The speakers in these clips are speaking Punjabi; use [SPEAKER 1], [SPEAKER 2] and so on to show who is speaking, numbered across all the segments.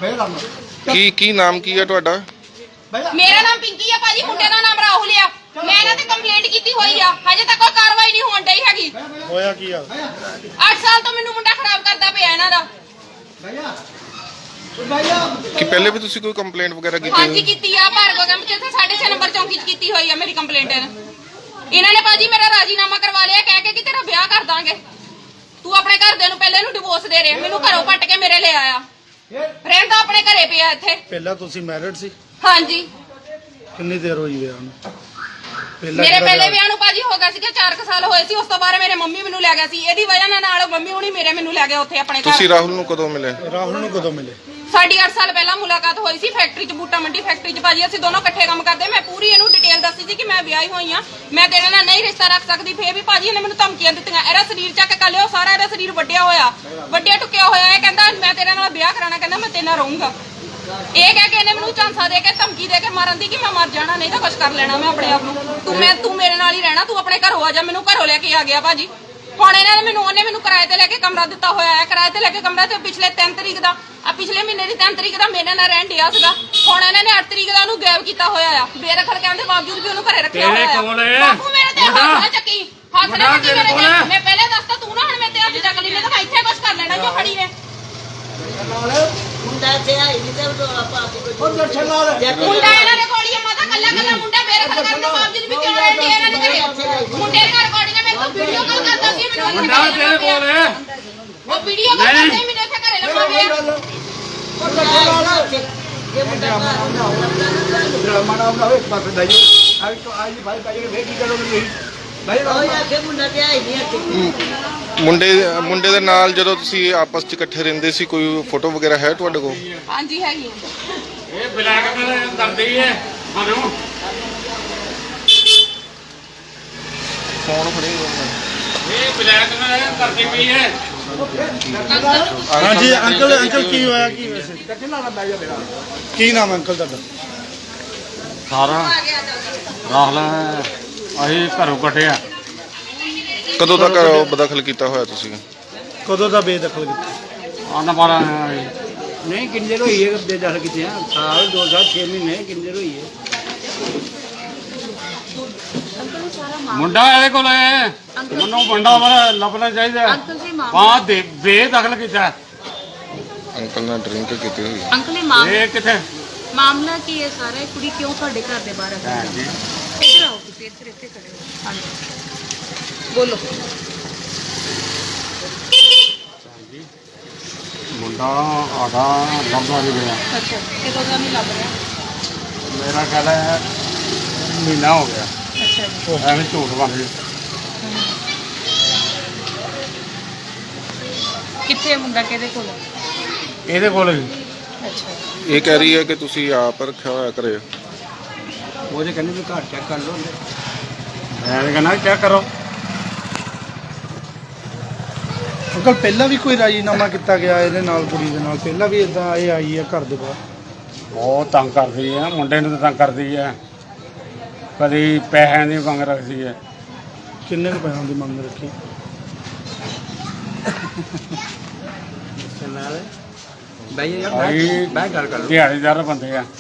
[SPEAKER 1] ਕੀ ਨਾਮ ਕੀ ਹੈ ਤੁਹਾਡਾ?
[SPEAKER 2] ਮੇਰਾ ਨਾਮ ਪਿੰਕੀ ਆ ਭਾਜੀ, ਮੁੰਡੇ ਦਾ ਨਾਮ ਰਾਹੁਲ ਆ। ਮੈਂ ਇਹਨਾਂ ਤੇ ਕੰਪਲੇਂਟ ਕੀਤੀ ਹੋਈ ਆ, ਹਜੇ ਤੱਕ ਕੋਈ ਕਾਰਵਾਈ ਨਹੀਂ ਹੋਣ ਡਈ ਹੈਗੀ।
[SPEAKER 3] ਹੋਇਆ ਕੀ ਆ?
[SPEAKER 2] 8 ਸਾਲ ਤੋਂ ਮੈਨੂੰ ਮੁੰਡਾ ਖਰਾਬ ਕਰਦਾ ਪਿਆ ਇਹਨਾਂ ਦਾ।
[SPEAKER 1] ਕਿ ਪਹਿਲੇ ਵੀ ਤੁਸੀਂ ਕੋਈ ਕੰਪਲੇਂਟ ਵਗੈਰਾ ਕੀਤੀ?
[SPEAKER 2] ਹਾਂਜੀ ਕੀਤੀ ਆ, ਭਾਰਗੋ ਕੈਂਪ ਚ 6.5 ਨੰਬਰ ਚੌਂਕੀ ਚ ਕੀਤੀ ਹੋਈ ਆ ਮੇਰੀ ਕੰਪਲੇਂਟ। ਇਹਨਾਂ ਨੇ ਭਾਜੀ ਮੇਰਾ ਰਾਜੀਨਾਮਾ ਕਰਵਾ ਲਿਆ ਕਹਿ ਕੇ ਕਿ ਤੇਰਾ ਵਿਆਹ ਕਰ ਦਾਂਗੇ। ਤੂੰ ਆਪਣੇ ਘਰਦਿਆਂ ਨੂੰ ਪਹਿਲੇ ਨੂੰ ਡਿਵੋਰਸ ਦੇ ਰਿਹਾ, ਮੈਨੂੰ ਘਰੋਂ ਪੱਟ ਕੇ ਮੇਰੇ ਲੈ ਆਇਆ। ਰਹਿੰਦਾ ਆਪਣੇ ਘਰੇ ਪਿਆ ਇੱਥੇ।
[SPEAKER 3] ਪਹਿਲਾਂ ਤੁਸੀਂ ਮੈਰਿਡ ਸੀ?
[SPEAKER 2] ਹਾਂਜੀ।
[SPEAKER 3] ਕਿੰਨੀ ਦੇਰ ਹੋਈ ਵਿਆਹ ਨੂੰ?
[SPEAKER 2] ਮੇਰੇ ਪਹਿਲੇ ਵਿਆਹ ਨੂੰ ਭਾਜੀ ਹੋ ਗਿਆ ਸੀ ਕਿ 4 ਸਾਲ ਹੋਏ ਸੀ। ਉਸ ਤੋਂ ਬਾਅਦ ਮੇਰੇ ਮੰਮੀ ਮੈਨੂੰ ਲੈ ਗਿਆ ਸੀ। ਇਹਦੀ ਵਜ੍ਹਾ ਨਾਲ ਮੰਮੀ ਹੁਣੀ ਮੈਨੂੰ ਲੈ ਗਏ ਉੱਥੇ ਆਪਣੇ ਘਰ।
[SPEAKER 1] ਤੁਸੀਂ ਰਾਹੁਲ ਨੂੰ ਕਦੋਂ ਮਿਲੇ?
[SPEAKER 3] ਰਾਹੁਲ ਨੂੰ ਕਦੋਂ ਮਿਲੇ?
[SPEAKER 2] ਸਾਡੀ 8 ਸਾਲ ਪਹਿਲਾਂ ਮੁਲਾਕਾਤ ਹੋਈ ਸੀ ਫੈਕਟਰੀ 'ਚ, ਬੂਟਾ ਮੰਡੀ ਫੈਕਟਰੀ 'ਚ। ਭਾਜੀ ਅਸੀਂ ਦੋਨੋਂ ਇਕੱਠੇ ਕੰਮ ਕਰਦੇ। ਮੈਂ ਪੂਰੀ ਇਹਨੂੰ ਡਿਟੇਲ ਦੱਸੀ ਸੀ ਕਿ ਮੈਂ ਵਿਆਹੀ ਹੋਈ ਆ, ਮੈਂ ਤੇਰੇ ਨਾਲ ਨਹੀਂ ਰਿਸ਼ਤਾ ਰੱਖ ਸਕਦੀ। ਫੇਰ ਵੀ ਭਾਜੀ ਇਹਨੇ ਮੈਨੂੰ ਧਮਕੀਆਂ ਦਿੱਤੀਆਂ। ਇਹਦਾ ਸਰੀਰ ਚੱਕ ਕਰ ਲਿਓ, ਸਾਰਾ ਇਹਦਾ ਸਰੀਰ ਵੱਡਿਆ ਹੋਇਆ, ਵੱਡਿਆ ਟੁੱਕਿਆ ਹੋਇਆ। ਇਹ ਕਹਿੰਦਾ ਮੈਂ ਤੇਰੇ ਨਾਲ ਵਿਆਹ ਕਰਾਣਾ, ਕਹਿੰਦਾ ਮੈਂ ਤੇਰੇ ਨਾਲ ਰਹੂੰਗਾ। ਇਹ ਕਹਿ ਕੇ ਇਹਨੇ ਮੈਨੂੰ ਝਾਂਸਾ ਦੇ ਕੇ ਧਮਕੀ ਦੇ ਕੇ ਮਾਰਨ ਦੀ ਕਿ ਮੈਂ ਮਰ ਜਾਣਾ, ਨਹੀਂ ਤਾਂ ਕੁਝ ਕਰ ਲੈਣਾ ਮੈਂ ਆਪਣੇ ਆਪ ਨੂੰ। ਤੂੰ ਮੇਰੇ ਨਾਲ ਹੀ ਰਹਿਣਾ, ਤੂੰ ਆਪਣੇ ਘਰੋਂ ਆ ਜਾ। ਮੈਨੂੰ ਘਰੋਂ ਲੈ ਕੇ ਆ ਗਿਆ ਭਾਜੀ। ਹੁਣ ਇਹਨਾਂ ਨੇ ਉਹਨੇ ਮੈਨੂੰ ਕਿਰਾਏ ਤੇ ਲੈ ਕੇ ਕਮਰਾ ਦਿੱਤਾ ਹੋਇਆ ਹੈ। ਕਿਰਾਏ ਤੇ ਲੈ ਕੇ ਕਮਰਾ ਤੇ ਪਿਛਲੇ 3 ਤਰੀਕ ਦਾ, ਪਿਛਲੇ ਮਹੀਨੇ ਦੀ 3 ਤਰੀਕ ਦਾ ਮੇਰੇ ਨਾਲ ਰਹਿਣ ਡਿਆ ਸੀਗਾ। ਹੁਣ ਇਹਨਾਂ ਨੇ 8 ਤਰੀਕ ਦਾ ਉਹਨੂੰ ਗਾਇਬ ਕੀਤਾ ਹੋਇਆ ਆ, ਬੇਦਖਲ ਕਰਨ ਦੇ ਬਾਵਜੂਦ ਵੀ ਉਹਨੂੰ ਘਰੇ ਰੱਖਿਆ ਹੋਇਆ ਆ। ਬਾਪੂ ਮੇਰੇ ਤੇ ਹੱਥ ਨਾ ਚੱਕੀ, ਹੱਥ ਨਾ ਚੱਕੀ ਮੇਰੇ ਤੇ। ਮੈਂ ਪਹਿਲੇ ਦੱਸਤਾ, ਤੂੰ ਨਾ ਹੁਣ ਮੇਰੇ ਤੇ ਹੱਥ ਚੱਕ ਲਈ, ਨਹੀਂ ਤਾਂ ਮੈਂ ਇੱਥੇ ਕੁਝ ਕਰ ਲੈਣਾ ਜੋ ਖੜੀ ਨੇ।
[SPEAKER 4] ਮੁੰਡਾ ਤੇ ਆਈ ਨਹੀਂ ਤੇ ਉਹ ਆਪਾਂ
[SPEAKER 2] ਮੁੰਡਾ ਇਹਨਾਂ ਦੇ ਕੋਲ ਹੀ ਆ ਮਾਤਾ, ਕੱਲਾ ਮੁੰਡਾ ਬੇਦਖਲ ਕਰਨ ਦੇ ਬਾਵਜੂਦ ਵੀ ਕਿਉਂ ਰਹਿੰਦੇ ਇਹਨਾਂ ਦੇ ਘਰੇ। ਮੁੰਡੇ ਦੀਆਂ ਰਿਕਾਰਡਿੰਗਾਂ ਮੇਰੇ ਕੋਲ ਵੀਡੀਓ ਕਾਲ ਕਰਦਾ ਸੀ, ਮੈਨੂੰ ਮੁੰਡਾ ਤੇਰੇ ਕੋਲ ਹੈ। ਉਹ ਵੀਡੀਓ ਕਾਲ ਕਰਦੇ ਮੈਨੂੰ ਇੱਥੇ ਘਰੇ ਲੱਭਾ ਪਿਆ।
[SPEAKER 4] ਜੇ ਮੁੰਡਾ
[SPEAKER 5] ਮਾਣਾ ਹੋਵੇ ਬਸ ਦਾਈਓ ਆਈ ਤਾਂ ਆਈ ਭਾਈ ਕਾਜੇ ਵੇ ਕੀ ਕਰੋਗੇ ਤੁਸੀਂ ਭਾਈ
[SPEAKER 4] ਉਹ ਆਖੇ ਮੁੰਡਾ ਤੇ ਆਈ ਨਹੀਂ ਇੱਥੇ।
[SPEAKER 1] ਮੁੰਡੇ ਦੇ ਨਾਲ ਜਦੋਂ ਤੁਸੀਂ ਆਪਸ 'ਚ ਇਕੱਠੇ ਰਹਿੰਦੇ ਸੀ, ਕੋਈ ਫੋਟੋ ਵਗੈਰਾ ਹੈ ਤੁਹਾਡੇ ਕੋਲ?
[SPEAKER 2] ਹਾਂਜੀ ਹੈਗੀ।
[SPEAKER 6] ਇਹ ਬਲੈਕਮੇਲ ਕਰਦੀ ਹੈ ਸਾਨੂੰ।
[SPEAKER 1] ਫੋਨ ਫੜੇ
[SPEAKER 6] ਇਹ ਬਲੈਕਮੇਲ ਕਰਦੀ ਪਈ ਹੈ।
[SPEAKER 3] ਹਾਂਜੀ ਅੰਕਲ ਕੀ ਹੋਇਆ? ਕੀ ਵੈਸੇ ਕੀ ਨਾਮ ਹੈ ਅੰਕਲ ਤੁਹਾਡਾ?
[SPEAKER 6] ਸਾਰਾ ਰਾਹੁਲ ਅਸੀਂ ਘਰੋਂ ਕੱਢਿਆ।
[SPEAKER 1] ਕਦੋਂ ਤੱਕ ਬਦਖਲ ਕੀਤਾ ਹੋਇਆ ਤੁਸੀਂ?
[SPEAKER 3] ਕਦੋਂ ਦਾ ਬੇਦਖਲ ਕੀਤਾ?
[SPEAKER 6] ਆਨਾ ਪਾਰਾ
[SPEAKER 5] ਨਹੀਂ ਕਿੰਨੀ ਦੇਰ ਹੋਈ ਹੈ ਬੇਦਖਲ ਕੀਤੇ ਆ? ਸਾਲ 2 ਸਾਲ 6 ਮਹੀਨੇ ਕਿੰਨੀ ਦੇਰ ਹੋਈ ਹੈ?
[SPEAKER 6] ਮੁੰਡਾ ਇਹਦੇ ਕੋਲ ਹੈ, ਮੈਨੂੰ ਮੁੰਡਾ ਵਾਲਾ ਲੱਭਣਾ ਚਾਹੀਦਾ। ਬਾਅਦ ਦੇ ਬੇਦਖਲ ਕੀਤਾ।
[SPEAKER 1] ਅੰਕਲ ਨੇ ਡਰਿੰਕ ਕੀਤੀ ਹੋਈ?
[SPEAKER 7] ਅੰਕਲ ਇਹ
[SPEAKER 6] ਇਹ ਕਿੱਥੇ
[SPEAKER 7] ਮਾਮਲਾ ਕੀ ਹੈ ਸਾਰਾ? ਇਹ ਕੁੜੀ ਕਿਉਂ ਤੁਹਾਡੇ ਘਰ ਦੇ ਬਾਹਰ ਆ ਗਈ? ਇੱਧਰ ਆਓ ਤੁਸੀਂ, ਇੱਥੇ ਖੜੇ ਹੋ। ਹਾਂਜੀ ਬੋਲੋ।
[SPEAKER 6] ਮੁੰਡਾ ਆਦਾ ਲੱਭਦਾ ਨਹੀਂ ਗਿਆ।
[SPEAKER 7] ਅੱਛਾ ਕਿਦੋਂ ਦਾ ਨਹੀਂ ਲੱਭ ਰਿਹਾ?
[SPEAKER 6] ਮੇਰਾ ਖਿਆਲ ਹੈ ਮਹੀਨਾ ਹੋ ਗਿਆ।
[SPEAKER 7] ਅੱਛਾ ਜੀ।
[SPEAKER 6] ਐਵੇਂ ਝੂਠ ਬਣ ਗਈ।
[SPEAKER 7] ਕਿੱਥੇ ਮੁੰਡਾ, ਕਿਹਦੇ ਕੋਲ?
[SPEAKER 6] ਇਹਦੇ ਕੋਲ ਵੀ
[SPEAKER 7] ਅੱਛਾ
[SPEAKER 1] ਇਹ ਕਹਿ ਰਹੀ ਹੈ ਕਿ ਤੁਸੀਂ ਆਪ ਰੱਖਿਆ ਹੋਇਆ ਘਰੇ।
[SPEAKER 5] ਉਹਦੇ ਕਹਿੰਦੇ ਵੀ ਘਰ ਚੈੱਕ ਕਰ ਲਓ।
[SPEAKER 6] ਮੈਂ ਕਹਿੰਦਾ ਚੈੱਕ ਕਰੋ।
[SPEAKER 3] ਅੰਕਲ ਪਹਿਲਾਂ ਵੀ ਕੋਈ ਰਾਜੀਨਾਮਾ ਕੀਤਾ ਗਿਆ ਇਹਦੇ ਨਾਲ, ਕੁੜੀ ਦੇ ਨਾਲ? ਪਹਿਲਾਂ ਵੀ ਇਦਾਂ ਇਹ ਆਈ ਹੈ ਘਰ ਦੇ ਬਾਹਰ?
[SPEAKER 6] ਬਹੁਤ ਤੰਗ ਕਰਦੀ ਹੈ, ਮੁੰਡੇ ਨੂੰ ਤਾਂ ਤੰਗ ਕਰਦੀ ਹੈ। ਕਦੀ ਪੈਸਿਆਂ ਦੀ ਮੰਗ ਰੱਖਦੀ ਹੈ।
[SPEAKER 3] ਕਿੰਨੇ ਕੁ ਪੈਸਿਆਂ ਦੀ ਮੰਗ ਰੱਖੀ?
[SPEAKER 5] ਭਾਈ ਯਾਰ
[SPEAKER 6] ਭਾਈ
[SPEAKER 5] ਮੈਂ ਗੱਲ ਕਰ ਲਓ।
[SPEAKER 6] ਦਿਹਾੜੀਦਾਰ ਬੰਦੇ ਆ।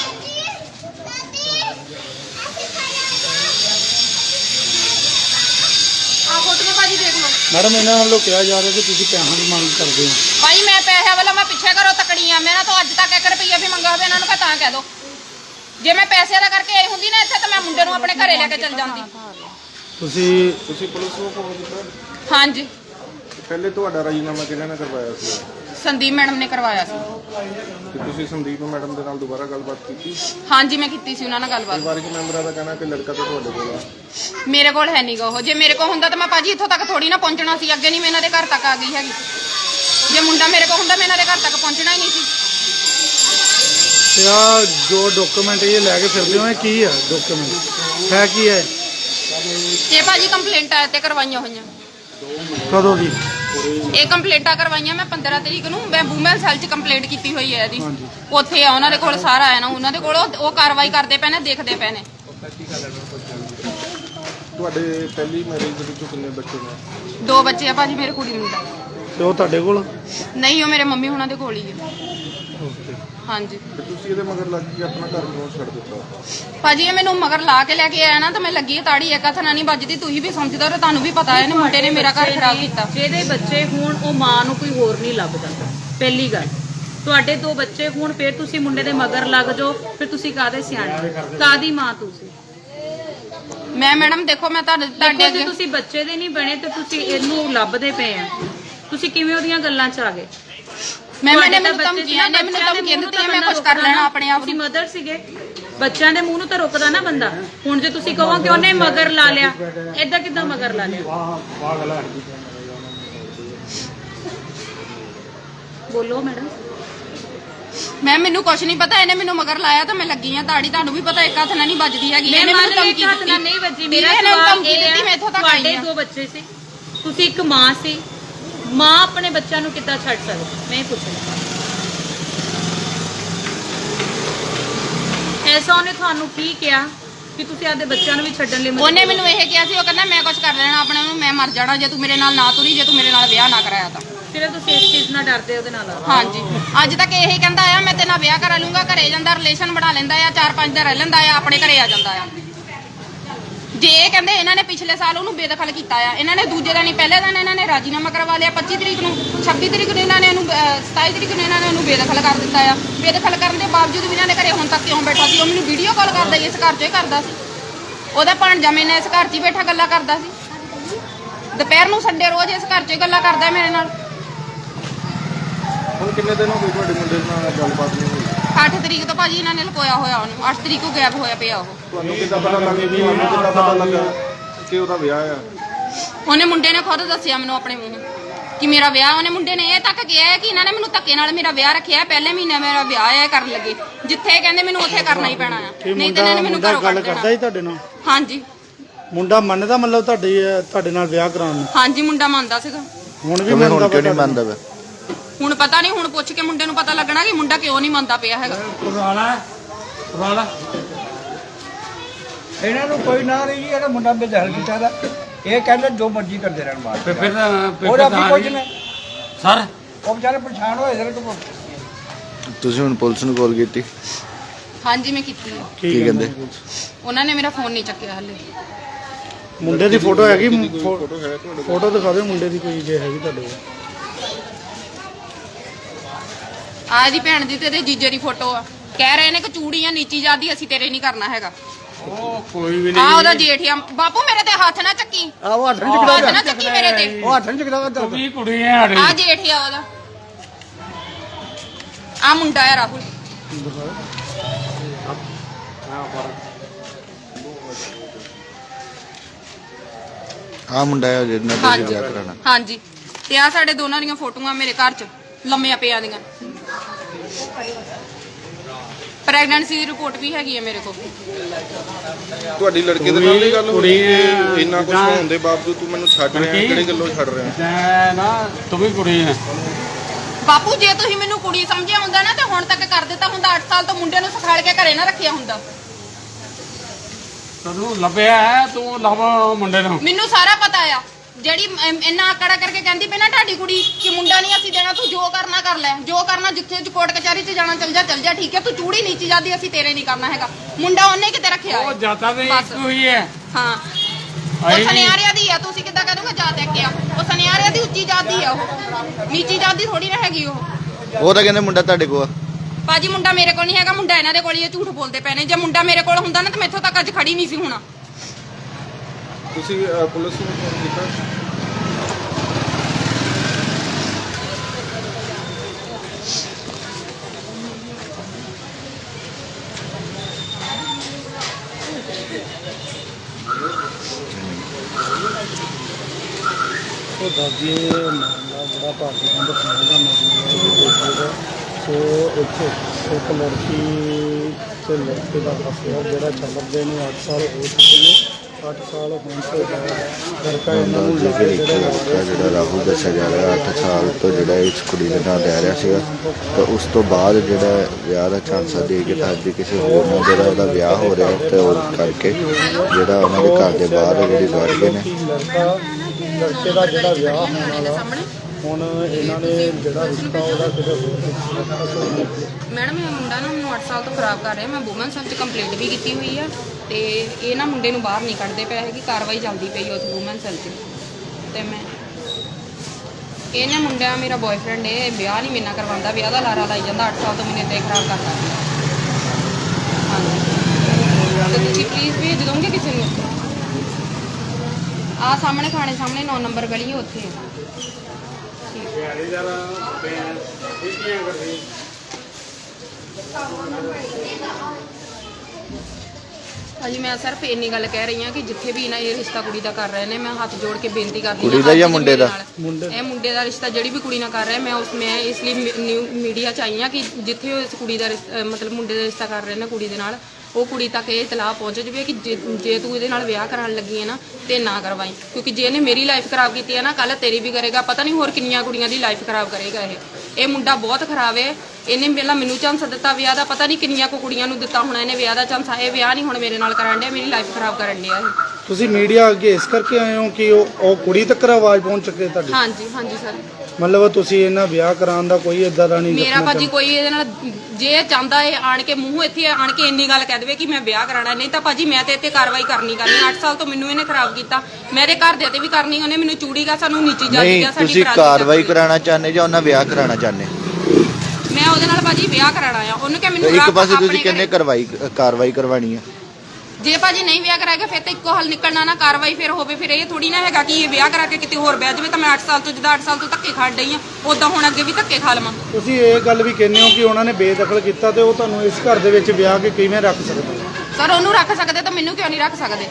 [SPEAKER 2] ਭਾਜੀ ਦੇਖ ਲਓ
[SPEAKER 3] ਮੈਡਮ ਇਹਨਾਂ ਵੱਲੋਂ ਕਿਹਾ ਜਾ ਰਿਹਾ ਕਿ ਤੁਸੀਂ ਪੈਸਿਆਂ ਦੀ ਮੰਗ ਕਰਦੇ ਹੋ।
[SPEAKER 2] ਭਾਈ ਮੈਂ ਪੈਸੇ ਵਾਲਾ ਮੈਂ ਪਿੱਛੇ ਘਰੋਂ ਤਕੜੀ ਆ। ਮੇਰਾ ਤਾਂ ਅੱਜ ਤੱਕ 1 ਰੁਪਈਆ ਵੀ ਮੰਗਾ ਹੋਵੇ ਇਹਨਾਂ ਨੂੰ ਤਾਂ ਕਹਿ ਦੋ। ਜੇ ਮੈਂ ਪੈਸੇ ਦਾ ਕਰਕੇ ਆਈ ਹੁੰਦੀ ਨਾ ਇੱਥੇ ਤਾਂ ਮੈਂ ਮੁੰਡੇ ਨੂੰ ਆਪਣੇ ਘਰੇ ਲੈ ਕੇ ਚੱਲ ਜਾਂਦੀ।
[SPEAKER 3] ਤੁਸੀਂ
[SPEAKER 1] ਪੁਲਿਸ ਨੂੰ ਫੋਨ ਕੀਤਾ?
[SPEAKER 2] ਹਾਂਜੀ।
[SPEAKER 1] ਪਹਿਲੇ ਤੁਹਾਡਾ ਰਾਜੀਨਾਮਾ ਕਿਹਨਾਂ ਨੇ ਕਰਵਾਇਆ ਸੀ?
[SPEAKER 2] ਸੰਦੀਪ ਮੈਡਮ ਨੇ ਕਰਵਾਇਆ ਸੀ।
[SPEAKER 1] ਕਿ ਤੁਸੀਂ ਸੰਦੀਪ ਮੈਡਮ ਦੇ ਨਾਲ ਦੁਬਾਰਾ ਗੱਲਬਾਤ ਕੀਤੀ?
[SPEAKER 2] ਹਾਂਜੀ ਮੈਂ ਕੀਤੀ ਸੀ ਉਹਨਾਂ ਨਾਲ ਗੱਲਬਾਤ।
[SPEAKER 1] ਪਰਿਵਾਰਕ ਮੈਂਬਰਾਂ ਦਾ ਕਹਿਣਾ ਕਿ ਲੜਕਾ ਤਾਂ ਤੁਹਾਡੇ ਕੋਲ ਆ।
[SPEAKER 2] ਮੇਰੇ ਕੋਲ ਹੈ ਨਹੀਂਗਾ ਉਹ। ਜੇ ਮੇਰੇ ਕੋਲ ਹੁੰਦਾ ਤਾਂ ਮੈਂ ਭਾਜੀ ਇੱਥੋਂ ਤੱਕ ਥੋੜੀ ਨਾ ਪਹੁੰਚਣਾ ਸੀ। ਅੱਗੇ ਨਹੀਂ ਮੈਂ ਇਹਨਾਂ ਦੇ ਘਰ ਤੱਕ ਆ ਗਈ ਹੈਗੀ। ਜੇ ਮੁੰਡਾ ਮੇਰੇ ਕੋਲ ਹੁੰਦਾ ਮੈਂ ਇਹਨਾਂ ਦੇ ਘਰ ਤੱਕ ਪਹੁੰਚਣਾ ਹੀ ਨਹੀਂ ਸੀ।
[SPEAKER 3] ਤੇ ਆ ਜੋ ਡਾਕੂਮੈਂਟ ਇਹ ਲੈ ਕੇ ਫਿਰਦੇ ਹੋ, ਇਹ ਕੀ ਹੈ ਡਾਕੂਮੈਂਟ? ਹੈ ਕੀ ਹੈ
[SPEAKER 2] ਇਹ ਭਾਜੀ ਕੰਪਲੇਂਟਾਂ ਤੇ ਕਰਵਾਈਆਂ ਹੋਈਆਂ।
[SPEAKER 3] ਕਦੋਂ ਦੀ?
[SPEAKER 2] ਇਹ ਕੰਪਲੇਂਟਾਂ ਕਰਵਾਈਆਂ ਮੈਂ 15 ਤਰੀਕ ਨੂੰ। ਮੈਂ ਵੂਮਨ ਸੈੱਲ 'ਚ ਕੰਪਲੇਂਟ ਕੀਤੀ ਹੋਈ ਹੈ ਇਹਦੀ। ਉੱਥੇ ਆ ਉਹਨਾਂ ਦੇ ਕੋਲ ਸਾਰਾ ਹੈ ਨਾ, ਉਹਨਾਂ ਦੇ ਕੋਲ ਉਹ ਕਾਰਵਾਈ ਕਰਦੇ ਪਏ ਨੇ, ਦੇਖਦੇ ਪਏ ਨੇ।
[SPEAKER 1] ਤੁਹਾਡੇ ਪਹਿਲੀ ਮੈਰਿਜ ਦੇ ਵਿੱਚੋਂ ਕਿੰਨੇ ਬੱਚੇ ਨੇ?
[SPEAKER 2] 2 ਬੱਚੇ ਆ ਭਾਜੀ ਮੇਰੇ, ਕੁੜੀ ਮੁੰਡਾ।
[SPEAKER 3] ਤੇ ਉਹ ਤੁਹਾਡੇ ਕੋਲ?
[SPEAKER 2] ਨਹੀਂ, ਉਹ ਮੇਰੇ ਮੰਮੀ ਹੁਣਾਂ ਦੇ ਕੋਲ ਹੀ ਹੈ।
[SPEAKER 3] ਓਕੇ।
[SPEAKER 2] ਹਾਂਜੀ
[SPEAKER 1] ਤੇ ਤੁਸੀਂ ਇਹਦੇ ਮਗਰ ਲੱਗ ਕੇ ਆਪਣਾ ਘਰ ਕਿਉਂ ਛੱਡ ਦਿੱਤਾ?
[SPEAKER 2] ਭਾਜੀ ਇਹ ਮੈਨੂੰ ਮਗਰ ਲਾ ਕੇ ਲੈ ਕੇ ਆਇਆ ਨਾ ਤਾਂ ਮੈਂ ਲੱਗੀ ਤਾੜੀ ਇੱਕ ਹੱਥ ਨਾਲ ਨਹੀਂ ਵੱਜਦੀ, ਤੁਸੀਂ ਵੀ ਸਮਝਦੇ ਹੋ, ਤੁਹਾਨੂੰ ਵੀ ਪਤਾ ਹੈ ਇਹਨੇ ਮੁੰਡੇ ਨੇ ਮੇਰਾ ਘਰ ਖਰਾਬ ਕੀਤਾ।
[SPEAKER 7] ਜਿਹਦੇ ਬੱਚੇ ਹੋਣ ਉਹ ਮਾਂ ਨੂੰ ਕੋਈ ਹੋਰ ਨਹੀਂ ਲੱਭਦਾ। ਪਹਿਲੀ ਗੱਲ, ਤੁਹਾਡੇ 2 ਬੱਚੇ ਹੋਣ ਫਿਰ ਤੁਸੀਂ ਮੁੰਡੇ ਦੇ ਮਗਰ ਲੱਗ ਜਾਓ, ਫਿਰ ਤੁਸੀਂ ਕਾਹਦੇ ਸਿਆਣੇ, ਕਾਹਦੀ ਮਾਂ ਤੁਸੀਂ?
[SPEAKER 2] ਮੈਂ ਮੈਡਮ ਦੇਖੋ ਮੈਂ ਤੁਹਾਡੇ
[SPEAKER 7] ਜੇ
[SPEAKER 2] ਅੱਗੇ
[SPEAKER 7] ਤੁਸੀਂ ਬੱਚੇ ਦੇ ਨਹੀਂ ਬਣੇ ਤੇ ਤੁਸੀਂ ਇਹਨੂੰ ਲੱਭਦੇ ਪਏ ਆ, ਤੁਸੀਂ ਕਿਵੇਂ ਉਹਦੀਆਂ ਗੱਲਾਂ 'ਚ ਆ ਗਏ?
[SPEAKER 2] ਮੈਨੇ ਮੈਨੂੰ ਧਮਕੀਆਂ ਦਿੱਤੀਆਂ ਮੈਂ ਕੁਝ ਕਰ ਲੈਣਾ ਆਪਣੇ ਆਪ
[SPEAKER 7] ਤੁਸੀਂ ਮਦਰ ਸੀਗੇ, ਬੱਚਿਆਂ ਦੇ ਮੂੰਹ ਨੂੰ ਤਾਂ ਰੁਕਦਾ ਨਾ ਬੰਦਾ। ਹੁਣ ਜੇ ਤੁਸੀਂ ਕਹੋ ਕਿ ਉਹਨੇ ਮਗਰ ਲਾ ਲਿਆ, ਏਦਾਂ ਕਿੱਦਾਂ ਮਗਰ ਲਾ ਲਿਆ? ਬੋਲੋ ਮੈਡਮ।
[SPEAKER 2] ਮੈਨੂੰ ਕੁਝ ਨਹੀਂ ਪਤਾ, ਇਹਨੇ ਮੈਨੂੰ ਮਗਰ ਲਾਇਆ ਤਾਂ ਮੈਂ ਲੱਗੀ ਆ ਤਾੜੀ, ਤੁਹਾਨੂੰ ਵੀ ਪਤਾ ਇੱਕ ਹੱਥ ਨਾਲ ਨਹੀਂ ਵੱਜਦੀ ਹੈਗੀ।
[SPEAKER 7] ਮੈਂ
[SPEAKER 2] ਇਹਨੇ
[SPEAKER 7] ਮੰਨ
[SPEAKER 2] ਮੈਨੂੰ
[SPEAKER 7] ਲਈ
[SPEAKER 2] ਧਮਕੀ
[SPEAKER 7] ਹੱਥ ਨਾਲ
[SPEAKER 2] ਦਿੱਤੀ,
[SPEAKER 7] ਨਹੀਂ ਵੱਜੀ।
[SPEAKER 2] ਮੇਰਾ
[SPEAKER 7] ਮੇਰਾ ਸਵਾਲ
[SPEAKER 2] ਧਮਕੀ
[SPEAKER 7] ਇਹ
[SPEAKER 2] ਦਿੱਤੀ,
[SPEAKER 7] ਹੈ
[SPEAKER 2] ਮੈਂ ਇੱਥੋਂ ਤੱਕ ਆਈ
[SPEAKER 7] ਤੁਹਾਡੇ
[SPEAKER 2] ਹਾਂ।
[SPEAKER 7] 2 ਬੱਚੇ ਸੀ, ਤੁਸੀਂ ਇੱਕ ਮਾਂ ਸੀ, ਮਾਂ ਆਪਣੇ ਬੱਚਿਆਂ ਨੂੰ ਕਿੱਦਾਂ ਛੱਡ ਸਕਦੀ? ਮੈਂ ਇਹ ਪੁੱਛਣਾ। ਐਸਾ ਉਹਨੇ ਤੁਹਾਨੂੰ ਕੀ ਕਿਹਾ ਕਿ ਤੁਸੀਂ ਆਪਦੇ ਬੱਚਿਆਂ ਨੂੰ ਵੀ ਛੱਡਣ ਲਈ
[SPEAKER 2] ਉਹਨੇ ਮੈਨੂੰ ਇਹ ਕਿਹਾ ਸੀ, ਉਹ ਕਹਿੰਦਾ ਮੈਂ ਕੁਝ ਕਰ ਲੈਣਾ ਆਪਣੇ ਨੂੰ, ਮੈਂ ਮਰ ਜਾਣਾ ਜੇ ਤੂੰ ਮੇਰੇ ਨਾਲ ਨਾ ਤੁਰੀ, ਜੇ ਤੂੰ ਮੇਰੇ ਨਾਲ ਵਿਆਹ ਨਾ ਕਰਾਇਆ ਤਾਂ।
[SPEAKER 7] ਸਿਰਫ ਤੁਸੀਂ ਇਸ ਚੀਜ਼ ਨਾਲ ਡਰਦੇ ਉਹਦੇ ਨਾਲ?
[SPEAKER 2] ਹਾਂਜੀ, ਅੱਜ ਤੱਕ ਇਹੀ ਕਹਿੰਦਾ ਆ ਮੈਂ ਤੇਰੇ ਨਾਲ ਵਿਆਹ ਕਰਾ ਲੂੰਗਾ, ਘਰੇ ਜਾਂਦਾ ਰਿਲੇਸ਼ਨ ਬਣਾ ਲੈਂਦਾ ਆ, 4-5 ਦਿਨ ਰਹਿ ਲੈਂਦਾ ਆ, ਆਪਣੇ ਘਰੇ ਆ ਜਾਂਦਾ ਆ। ਜੇ ਇਹ ਕਹਿੰਦੇ ਇਹਨਾਂ ਨੇ ਪਿਛਲੇ ਸਾਲ ਉਹਨੂੰ ਬੇਦਖਲ ਕੀਤਾ ਆ, ਇਹਨਾਂ ਨੇ ਦੂਜੇ ਦਿਨ ਹੀ ਪਹਿਲੇ ਦਿਨ ਇਹਨਾਂ ਨੇ ਰਾਜੀਨਾਮਾ ਕਰਵਾ ਲਿਆ, 25 ਤਰੀਕ ਨੂੰ, 26 ਤਰੀਕ ਨੂੰ ਇਹਨਾਂ ਨੇ ਇਹਨੂੰ 27 ਤਰੀਕ ਨੂੰ ਇਹਨਾਂ ਨੇ ਉਹਨੂੰ ਬੇਦਖਲ ਕਰ ਦਿੱਤਾ ਆ। ਬੇਦਖਲ ਕਰਨ ਦੇ ਬਾਵਜੂਦ ਵੀ ਇਹਨਾਂ ਦੇ ਘਰੇ ਹੁਣ ਤੱਕ ਕਿਉਂ ਬੈਠਾ ਸੀ? ਉਹ ਮੈਨੂੰ ਵੀਡੀਓ ਕਾਲ ਕਰਦਾ ਸੀ, ਇਸ ਘਰ 'ਚੋਂ ਹੀ ਕਰਦਾ ਸੀ। ਉਹਦਾ ਭਾਣਜਾ ਮੇਰੇ ਨਾਲ ਇਸ ਘਰ 'ਚ ਹੀ ਬੈਠਾ ਗੱਲਾਂ ਕਰਦਾ ਸੀ, ਦੁਪਹਿਰ ਨੂੰ ਸੰਡੇ ਰੋਜ਼ ਇਸ ਘਰ 'ਚ ਹੀ ਗੱਲਾਂ ਕਰਦਾ ਮੇਰੇ ਨਾਲ।
[SPEAKER 1] ਹੁਣ ਕਿੰਨੇ ਦਿਨ ਹੋ ਗਏ ਤੁਹਾਡੇ ਮੁੰਡੇ ਨਾਲ ਗੱਲਬਾਤ ਨਹੀਂ ਹੋਈ?
[SPEAKER 2] 8 ਤਰੀਕ ਤੋਂ ਭਾਜੀ ਇਹਨਾਂ ਨੇ ਲਕੋਇਆ ਹੋਇਆ ਉਹਨੂੰ, 8 ਤਰੀਕ ਨੂੰ ਗਾਇਬ ਹੋਇਆ ਪਿਆ ਉਹ।
[SPEAKER 1] ਤੁਹਾਨੂੰ ਕਿੱਦਾਂ ਪਤਾ ਲੱਗਾ ਕਿ ਉਹਦਾ ਵਿਆਹ ਆ?
[SPEAKER 2] ਉਹਨੇ ਮੁੰਡੇ ਨੇ ਖੁਦ ਦੱਸਿਆ ਮੈਨੂੰ ਆਪਣੇ ਮੂੰਹੋਂ ਕਿ ਮੇਰਾ ਵਿਆਹ, ਉਹਨੇ ਮੁੰਡੇ ਨੇ ਇਹ ਤੱਕ ਕਿਹਾ ਹੈ ਕਿ ਇਹਨਾਂ ਨੇ ਮੈਨੂੰ ਧੱਕੇ ਨਾਲ ਮੇਰਾ ਵਿਆਹ ਰੱਖਿਆ, ਪਹਿਲੇ ਮਹੀਨੇ ਮੇਰਾ ਵਿਆਹ ਹੈ ਕਰਨ ਲੱਗੇ, ਜਿੱਥੇ ਕਹਿੰਦੇ ਮੈਨੂੰ ਉੱਥੇ ਕਰਨਾ ਹੀ ਪੈਣਾ ਆ, ਨਹੀਂ ਤੇ ਇਹਨਾਂ ਨੇ ਮੈਨੂੰ ਘਰੋਂ ਕੱਢ
[SPEAKER 3] ਗੱਲ ਕਰਦਾ ਸੀ ਤੁਹਾਡੇ ਨਾਲ?
[SPEAKER 2] ਹਾਂਜੀ
[SPEAKER 3] ਮੁੰਡਾ ਮੰਨਦਾ ਮਤਲਬ ਤੁਹਾਡੇ ਨਾਲ ਵਿਆਹ ਕਰਾਉਣ ਨੂੰ?
[SPEAKER 2] ਹਾਂਜੀ, ਮੁੰਡਾ ਮੰਨਦਾ ਸੀਗਾ।
[SPEAKER 3] ਹੁਣ ਵੀ ਮੰਨਦਾ? ਕਿਉਂ ਨਹੀਂ ਮੰਨਦਾ?
[SPEAKER 2] ਹੁਣ ਪਤਾ ਨਹੀਂ, ਹੁਣ ਪੁੱਛ ਕੇ ਮੁੰਡੇ ਨੂੰ ਪਤਾ ਲੱਗਣਾ ਕਿ ਮੁੰਡਾ ਕਿਉਂ ਨਹੀਂ ਮੰਨਦਾ ਪਿਆ ਹੈਗਾ।
[SPEAKER 5] ਇਹਨਾਂ ਨੂੰ ਕੋਈ ਨਾ ਰਹੀ, ਇਹਦਾ ਮੁੰਡਾ ਬੇਦਖਲ ਕੀਤਾ ਦਾ, ਇਹ ਕਹਿੰਦੇ ਜੋ ਮਰਜ਼ੀ ਕਰਦੇ ਰਹਿਣ ਬਾਅਦ। ਹੋਰ ਆਪੀ ਕੁਝ ਨਹੀਂ
[SPEAKER 6] ਸਰ,
[SPEAKER 5] ਉਹ ਵਿਚਾਰੇ ਪਰੇਸ਼ਾਨ ਹੋਏ ਜਰਾ ਤੋਂ।
[SPEAKER 8] ਤੁਸੀਂ ਹੁਣ ਪੁਲਿਸ ਨੂੰ ਕਾਲ ਕੀਤੀ?
[SPEAKER 2] ਹਾਂਜੀ ਮੈਂ ਕੀਤੀ ਹੈ।
[SPEAKER 8] ਕੀ ਕਹਿੰਦੇ?
[SPEAKER 2] ਉਹਨਾਂ ਨੇ ਮੇਰਾ ਫੋਨ ਨਹੀਂ ਚੱਕਿਆ ਹਾਲੇ।
[SPEAKER 3] ਮੁੰਡੇ ਦੀ ਫੋਟੋ ਹੈਗੀ?
[SPEAKER 1] ਫੋਟੋ ਹੈ ਤੁਹਾਡੇ?
[SPEAKER 3] ਫੋਟੋ ਦਿਖਾ ਦਿਓ ਮੁੰਡੇ ਦੀ ਕੋਈ ਜੇ ਹੈਗੀ ਤੁਹਾਡੇ ਕੋਲ।
[SPEAKER 2] ਆ ਇਹਦੀ ਭੈਣ ਦੀ ਤੇ ਇਹਦੇ ਜੀਜੇ ਦੀ ਫੋਟੋ ਆ, ਕਹਿ ਰਹੇ ਨੇ ਕਿ ਚੂੜੀਆਂ ਨੀਚੀ ਜਾਂਦੀ, ਅਸੀਂ ਤੇਰੇ ਨਹੀਂ ਕਰਨਾ ਹੈਗਾ।
[SPEAKER 6] ਉਹ ਕੋਈ ਵੀ
[SPEAKER 2] ਆ
[SPEAKER 6] ਨਹੀਂ।
[SPEAKER 2] ਉਹਦਾ ਜੇਠ ਆ। ਬਾਪੂ ਮੇਰੇ ਤੇ ਹੱਥ ਨਾ ਚੱਕੀ,
[SPEAKER 5] ਆਹ ਹੱਥ ਨਹੀਂ
[SPEAKER 2] ਹੱਥ ਨਾ ਚੱਕੀ ਮੇਰੇ ਤੇ।
[SPEAKER 5] ਉਹ ਹੱਥ ਨਹੀਂ ਚੁੱਕਦਾ।
[SPEAKER 6] ਤੂੰ ਵੀ ਕੁੜੀ ਹੈ ਸਾਡੀ।
[SPEAKER 2] ਆ ਜੇਠ ਆ ਉਹਦਾ, ਆ ਮੁੰਡਾ ਆ ਰਾਹੁਲ।
[SPEAKER 8] ਆਹ ਮੁੰਡਾ ਹੈ ਜਿਹਦੇ ਨਾਲ ਤੁਸੀਂ ਵਿਆਹ ਕਰਾਉਣਾ?
[SPEAKER 2] ਹਾਂਜੀ, ਤੇ ਆ ਸਾਡੇ ਦੋਨਾਂ ਦੀਆਂ ਫੋਟੋਆਂ ਮੇਰੇ ਘਰ 'ਚ ਲੰਮੀਆਂ ਪਿਆ ਦੀਆਂ। ਪ੍ਰੈਗਨੈਂਸੀ ਦੀ ਰਿਪੋਰਟ ਵੀ ਹੈਗੀ ਹੈ ਮੇਰੇ ਕੋਲ।
[SPEAKER 1] ਤੁਹਾਡੀ ਲੜਕੇ ਦੇ ਨਾਲ ਨਹੀਂ ਗੱਲ ਹੋਈ
[SPEAKER 6] ਕੁੜੀ ਹੈ,
[SPEAKER 1] ਕਿ ਇੰਨਾ ਕੁਝ ਹੋਣ ਦੇ ਬਾਵਜੂਦ ਤੂੰ ਮੈਨੂੰ ਛੱਡ ਰਿਹਾ, ਕਿਹੜੀ ਗੱਲੋਂ ਛੱਡ ਰਿਹਾ?
[SPEAKER 6] ਤੈਂ ਨਾ, ਤੂੰ ਵੀ ਕੁੜੀ ਹੈ।
[SPEAKER 2] ਬਾਪੂ ਜੇ ਤੁਸੀਂ ਮੈਨੂੰ ਕੁੜੀ ਸਮਝਿਆ ਹੁੰਦਾ ਨਾ ਤੇ ਹੁਣ ਤੱਕ ਕਰ ਦਿੱਤਾ ਹੁੰਦਾ। 8 ਸਾਲ ਤੋਂ ਮੁੰਡੇ ਨੂੰ ਸਿਖਾਲ ਕੇ ਘਰੇ ਨਾ ਰੱਖਿਆ ਹੁੰਦਾ।
[SPEAKER 6] ਤੈਨੂੰ ਲੱਭਿਆ ਹੈ, ਤੂੰ ਲੱਭ ਮੁੰਡੇ ਨੂੰ।
[SPEAKER 2] ਮੈਨੂੰ ਸਾਰਾ ਪਤਾ ਆ। ਜਿਹੜੀ ਇੰਨਾ ਆਕੜਾ ਕਰਕੇ ਕਹਿੰਦੀ ਪਈ ਨਾ ਤੁਹਾਡੀ ਕੁੜੀ ਕਿ ਮੁੰਡਾ ਨਹੀਂ ਅਸੀਂ ਦੇਣਾ, ਤੂੰ ਜੋ ਕਰਨਾ ਕਰ ਲੈ, ਜੋ ਕਰਨਾ, ਜਿੱਥੇ ਕੋਰਟ ਕਚਹਿਰੀ 'ਚ ਜਾਣਾ ਚੱਲ ਜਾ, ਠੀਕ ਹੈ। ਤੂੰ ਚੂੜੀ ਨੀਚੀ ਜਾਂਦੀ, ਅਸੀਂ ਤੇਰੇ ਨਹੀਂ ਕਰਨਾ ਹੈਗਾ। ਮੁੰਡਾ ਉਹਨੇ ਕਿਤੇ ਰੱਖਿਆ
[SPEAKER 6] ਉਹ
[SPEAKER 2] ਹੈ।
[SPEAKER 6] ਜਾਤਾ ਵੀ
[SPEAKER 2] ਬਸ।
[SPEAKER 6] ਇੱਕੋ ਹੀ ਹੈ।
[SPEAKER 2] ਹਾਂ, ਉਹ ਸੁਨਿਆਰਿਆਂ ਦੀ ਆ। ਤੁਸੀਂ ਕਿੱਦਾਂ ਕਰੋਗੇ ਜਾਤ ਇੱਕ ਆ? ਉਹ ਸੁਨਿਆਰਿਆਂ ਦੀ ਉੱਚੀ ਜਾਤ ਦੀ ਆ, ਉਹ ਨੀਚੀ ਜਾਤ ਦੀ ਥੋੜੀ ਨਾ ਹੈਗੀ
[SPEAKER 8] ਉਹ ਤਾਂ ਕਹਿੰਦੇ ਮੁੰਡਾ ਤੁਹਾਡੇ ਕੋਲ ਆ।
[SPEAKER 2] ਭਾਜੀ ਮੁੰਡਾ ਮੇਰੇ ਕੋਲ ਨਹੀਂ ਹੈਗਾ, ਮੁੰਡਾ ਇਹਨਾਂ ਦੇ ਕੋਲ ਹੀ ਹੈ। ਝੂਠ ਬੋਲਦੇ ਪਏ ਨੇ। ਜੇ ਮੁੰਡਾ ਮੇਰੇ ਕੋਲ ਹੁੰਦਾ ਨਾ ਤਾਂ ਮੈਥੋਂ ਤੱਕ ਅੱਜ ਖੜੀ ਨਹੀਂ ਸੀ ਹੋਣਾ।
[SPEAKER 1] ਤੁਸੀਂ ਪੁਲਿਸ ਨੂੰ ਫੋਨ ਕੀਤਾ?
[SPEAKER 3] ਉਹ ਦਾਦੀ ਮਾਮਲਾ ਬੜਾ ਭਾਰਤੀ ਬੰਦ ਫੋਨ ਦਾ ਮਾਮਲਾ। ਸੋ ਇੱਥੇ ਇੱਕ ਲੜਕੀ ਤੇ ਲੜਕੇ ਦਾ ਅਫੇਅਰ ਜਿਹੜਾ ਚੱਲਦੇ ਨੇ 8 ਸਾਲ ਹੋ ਚੁੱਕੇ ਨੇ। 8 ਸਾਲ ਹੋਣ ਤੋਂ ਬਾਅਦ ਲੜਕਾ ਇਹਨਾਂ ਨੂੰ
[SPEAKER 8] ਲੜਕਾ ਜਿਹੜਾ ਰਾਹੁਲ ਦੱਸਿਆ ਜਾ ਰਿਹਾ 8 ਸਾਲ ਤੋਂ ਜਿਹੜਾ ਇਸ ਕੁੜੀ ਦੇ ਨਾਲ ਰਹਿ ਰਿਹਾ ਸੀਗਾ, ਤਾਂ ਉਸ ਤੋਂ ਬਾਅਦ ਜਿਹੜਾ ਵਿਆਹ ਦਾ ਚਾਂਸਾ ਦੇ ਕੇ ਤਾਂ ਅੱਜ ਕਿਸੇ ਹੋਰ ਨਾਲ ਜਿਹੜਾ ਉਹਦਾ ਵਿਆਹ ਹੋ ਰਿਹਾ, ਤੇ ਉਹ ਕਰਕੇ ਜਿਹੜਾ ਉਹਨਾਂ ਦੇ ਘਰ ਦੇ ਬਾਹਰ ਜਿਹੜੀ ਲੜ ਗਏ ਨੇ।
[SPEAKER 3] ਲੜਕੇ ਦਾ ਜਿਹੜਾ ਵਿਆਹ ਹੋਣ ਵਾਲਾ ਹੁਣ ਇਹਨਾਂ ਨੇ ਜਿਹੜਾ ਰਿਸ਼ਤਾ ਉਹਦਾ ਕਿਤੇ ਹੋਰ
[SPEAKER 2] ਮੈਡਮ ਇਹ ਮੁੰਡਾ ਨਾ ਮੈਨੂੰ 8 ਸਾਲ ਤੋਂ ਖਰਾਬ ਕਰ ਰਿਹਾ। ਮੈਂ ਵੂਮਨ ਸੈਲ 'ਚ ਕੰਪਲੇਂਟ ਵੀ ਕੀਤੀ ਹੋਈ ਆ ਤੇ ਇਹ ਨਾ ਮੁੰਡੇ ਨੂੰ ਬਾਹਰ ਨਹੀਂ ਕੱਢਦੇ ਪਏ ਹੈਗੀ। ਕਾਰਵਾਈ ਚੱਲਦੀ ਪਈ ਉੱਥੇ ਵੂਮਨ ਸੈਲ 'ਚ ਤੇ ਮੈਂ ਇਹਨੇ ਮੁੰਡਾ ਮੇਰਾ ਬॉयਫ੍ਰੈਂਡ ਹੈ। ਵਿਆਹ ਨਹੀਂ ਮੇਰੇ ਨਾਲ ਕਰਵਾਉਂਦਾ, ਵਿਆਹ ਦਾ ਲਾਰਾ ਲਾਈ ਜਾਂਦਾ। 8 ਸਾਲ ਤੋਂ ਮੈਨੂੰ ਇੱਦਾਂ ਹੀ ਖਰਾਬ ਕਰਦਾ। ਹਾਂਜੀ ਤੇ ਤੁਸੀਂ ਪਲੀਜ਼ ਭੇਜ ਦੋਗੇ ਕਿਸੇ ਨੂੰ? ਆ ਸਾਹਮਣੇ ਖਾਣੇ ਸਾਹਮਣੇ 9 ਨੰਬਰ ਗਲੀ ਹੈ ਉੱਥੇ। ਹਾਂਜੀ ਮੈਂ ਸਿਰਫ ਇੰਨੀ ਗੱਲ ਕਹਿ ਰਹੀ ਹਾਂ ਕਿ ਜਿੱਥੇ ਵੀ ਇਹਨਾਂ ਇਹ ਰਿਸ਼ਤਾ ਕੁੜੀ ਦਾ ਕਰ ਰਹੇ ਨੇ, ਮੈਂ ਹੱਥ ਜੋੜ ਕੇ ਬੇਨਤੀ ਕਰਦੀ ਹਾਂ।
[SPEAKER 8] ਕੁੜੀ ਦਾ ਜਾਂ ਮੁੰਡੇ ਦਾ?
[SPEAKER 2] ਇਹ ਮੁੰਡੇ ਦਾ ਰਿਸ਼ਤਾ ਜਿਹੜੀ ਵੀ ਕੁੜੀ ਨਾਲ ਕਰ ਰਿਹਾ, ਮੈਂ ਇਸ ਲਈ ਨਿਊ ਮੀਡੀਆ 'ਚ ਆਈ ਹਾਂ ਕਿ ਜਿੱਥੇ ਉਹ ਇਸ ਕੁੜੀ ਦਾ ਮਤਲਬ ਮੁੰਡੇ ਦਾ ਰਿਸ਼ਤਾ ਕਰ ਰਹੇ ਨੇ ਕੁੜੀ ਦੇ ਨਾਲ, ਉਹ ਕੁੜੀ ਤੱਕ ਇਹ ਇਤਲਾਹ ਪਹੁੰਚ ਜਾਵੇ ਕਿ ਜੇ ਤੂੰ ਇਹਦੇ ਨਾਲ ਵਿਆਹ ਕਰਾਉਣ ਲੱਗੀ ਹੈ ਨਾ ਤੇ ਨਾ ਕਰਵਾਈ, ਕਿਉਂਕਿ ਜੇ ਇਹਨੇ ਮੇਰੀ ਲਾਈਫ ਖਰਾਬ ਕੀਤੀ ਹੈ ਨਾ, ਕੱਲ ਤੇਰੀ ਵੀ ਕਰੇਗਾ। ਪਤਾ ਨਹੀਂ ਹੋਰ ਕਿੰਨੀਆਂ ਕੁੜੀਆਂ ਦੀ ਲਾਈਫ ਖਰਾਬ ਕਰੇਗਾ ਇਹ ਮੁੰਡਾ ਬਹੁਤ ਖਰਾਬ ਹੈ। ਇਹਨੇ ਪਹਿਲਾਂ ਮੈਨੂੰ ਚਾਂਸ ਦਿੱਤਾ ਵਿਆਹ ਦਾ, ਪਤਾ ਨਹੀਂ ਕਿੰਨੀਆਂ ਕੋ ਕੁੜੀਆਂ ਨੂੰ ਦਿੱਤਾ ਹੋਣਾ ਇਹਨੇ ਵਿਆਹ ਦਾ ਚਾਂਸ। ਇਹ ਵਿਆਹ ਨਹੀਂ ਹੁਣ ਮੇਰੇ ਨਾਲ ਕਰਾਉਣ ਡਿਆ, ਮੇਰੀ ਲਾਈਫ ਖਰਾਬ ਕਰਨ ਡਿਆ ਇਹ।
[SPEAKER 3] ਤੁਸੀਂ ਮੀਡੀਆ ਅੱਗੇ ਇਸ ਕਰਕੇ ਆਏ ਹੋ ਕਿ ਉਹ ਕੁੜੀ ਤੱਕ ਆਵਾਜ਼ ਪਹੁੰਚ ਚੁੱਕੇ ਤੁਹਾਡੀ?
[SPEAKER 2] ਹਾਂਜੀ ਹਾਂਜੀ ਸਰ।
[SPEAKER 3] ਮਤਲਬ ਤੁਸੀਂ ਇਹਨਾਂ ਵਿਆਹ ਕਰਾਉਣ ਦਾ ਕੋਈ ਇਦਾਂ ਦਾ ਨਹੀਂ?
[SPEAKER 2] ਮੇਰਾ ਭਾਜੀ ਕੋਈ ਇਹਦੇ ਨਾਲ ਜੇ ਚਾਹੁੰਦਾ ਹੈ ਆਣ ਕੇ ਮੂੰਹ ਇੱਥੇ ਆਣ ਕੇ ਇੰਨੀ ਗੱਲ ਕਹਿ ਦੇਵੇ ਕਿ ਮੈਂ ਵਿਆਹ ਕਰਾਣਾ, ਨਹੀਂ ਤਾਂ ਭਾਜੀ ਮੈਂ ਤੇ ਇੱਥੇ ਕਾਰਵਾਈ ਕਰਨੀ। 8 ਸਾਲ ਤੋਂ ਮੈਨੂੰ ਇਹਨੇ ਖਰਾਬ ਕੀਤਾ, ਮੇਰੇ ਘਰ ਦੇ ਤੇ ਵੀ ਕਰਨੀ। ਉਹਨੇ ਮੈਨੂੰ ਚੂੜੀਗਾ, ਸਾਨੂੰ ਨੀਚੀ ਜਾਤੀ ਆ।
[SPEAKER 8] ਤੁਸੀਂ ਕਾਰਵਾਈ ਕਰਾਉਣਾ ਚਾਹੁੰਦੇ ਜਾਂ ਉਹਨਾਂ ਵਿਆਹ ਕਰਾਉਣਾ ਚਾਹੁੰਦੇ?
[SPEAKER 2] ਮੈਂ ਉਹਦੇ ਨਾਲ ਭਾਜੀ ਵਿਆਹ ਕਰਾਣਾ ਆ। ਉਹਨੂੰ ਕਿ ਮੈਨੂੰ
[SPEAKER 8] ਇੱਕ ਪਾਸੇ ਤੁਸੀਂ ਕਹਿੰਦੇ ਕਾਰਵਾਈ ਕਰਵਾਣੀ ਹੈ।
[SPEAKER 2] ਜੇ ਭਾਜੀ ਨਹੀਂ ਵਿਆਹ ਕਰਾਏਗਾ ਫਿਰ ਤਾਂ ਇੱਕੋ ਹੱਲ ਨਿਕਲਣਾ ਨਾ, ਕਾਰਵਾਈ ਫਿਰ ਹੋਵੇ। ਫਿਰ ਇਹ ਥੋੜੀ ਨਾ ਹੈਗਾ ਕਿ ਇਹ ਵਿਆਹ ਕਰਾ ਕੇ ਕਿਤੇ ਹੋਰ ਵਿਆਹ ਜਾਵੇ। ਤਾਂ ਮੈਂ 8 ਸਾਲ ਤੋਂ ਜਿੱਦਾਂ 8 ਸਾਲ ਤੋਂ ਧੱਕੇ ਖਾ ਡਈ ਆ, ਉਦਾਂ ਹੁਣ ਅੱਗੇ ਵੀ ਧੱਕੇ ਖਾ ਲਵਾਂ।
[SPEAKER 3] ਤੁਸੀਂ ਇਹ ਗੱਲ ਵੀ ਕਹਿੰਦੇ ਹੋ ਕਿ ਉਹਨਾਂ ਨੇ ਬੇਦਖਲ ਕੀਤਾ ਤੇ ਉਹ ਤੁਹਾਨੂੰ ਇਸ ਘਰ ਦੇ ਵਿੱਚ ਵਿਆਹ ਕੇ ਕਿਵੇਂ ਰੱਖ ਸਕਦੇ?
[SPEAKER 2] ਸਰ ਉਹਨੂੰ ਰੱਖ ਸਕਦੇ ਤਾਂ ਮੈਨੂੰ ਕਿਉਂ ਨਹੀਂ ਰੱਖ ਸਕਦੇ?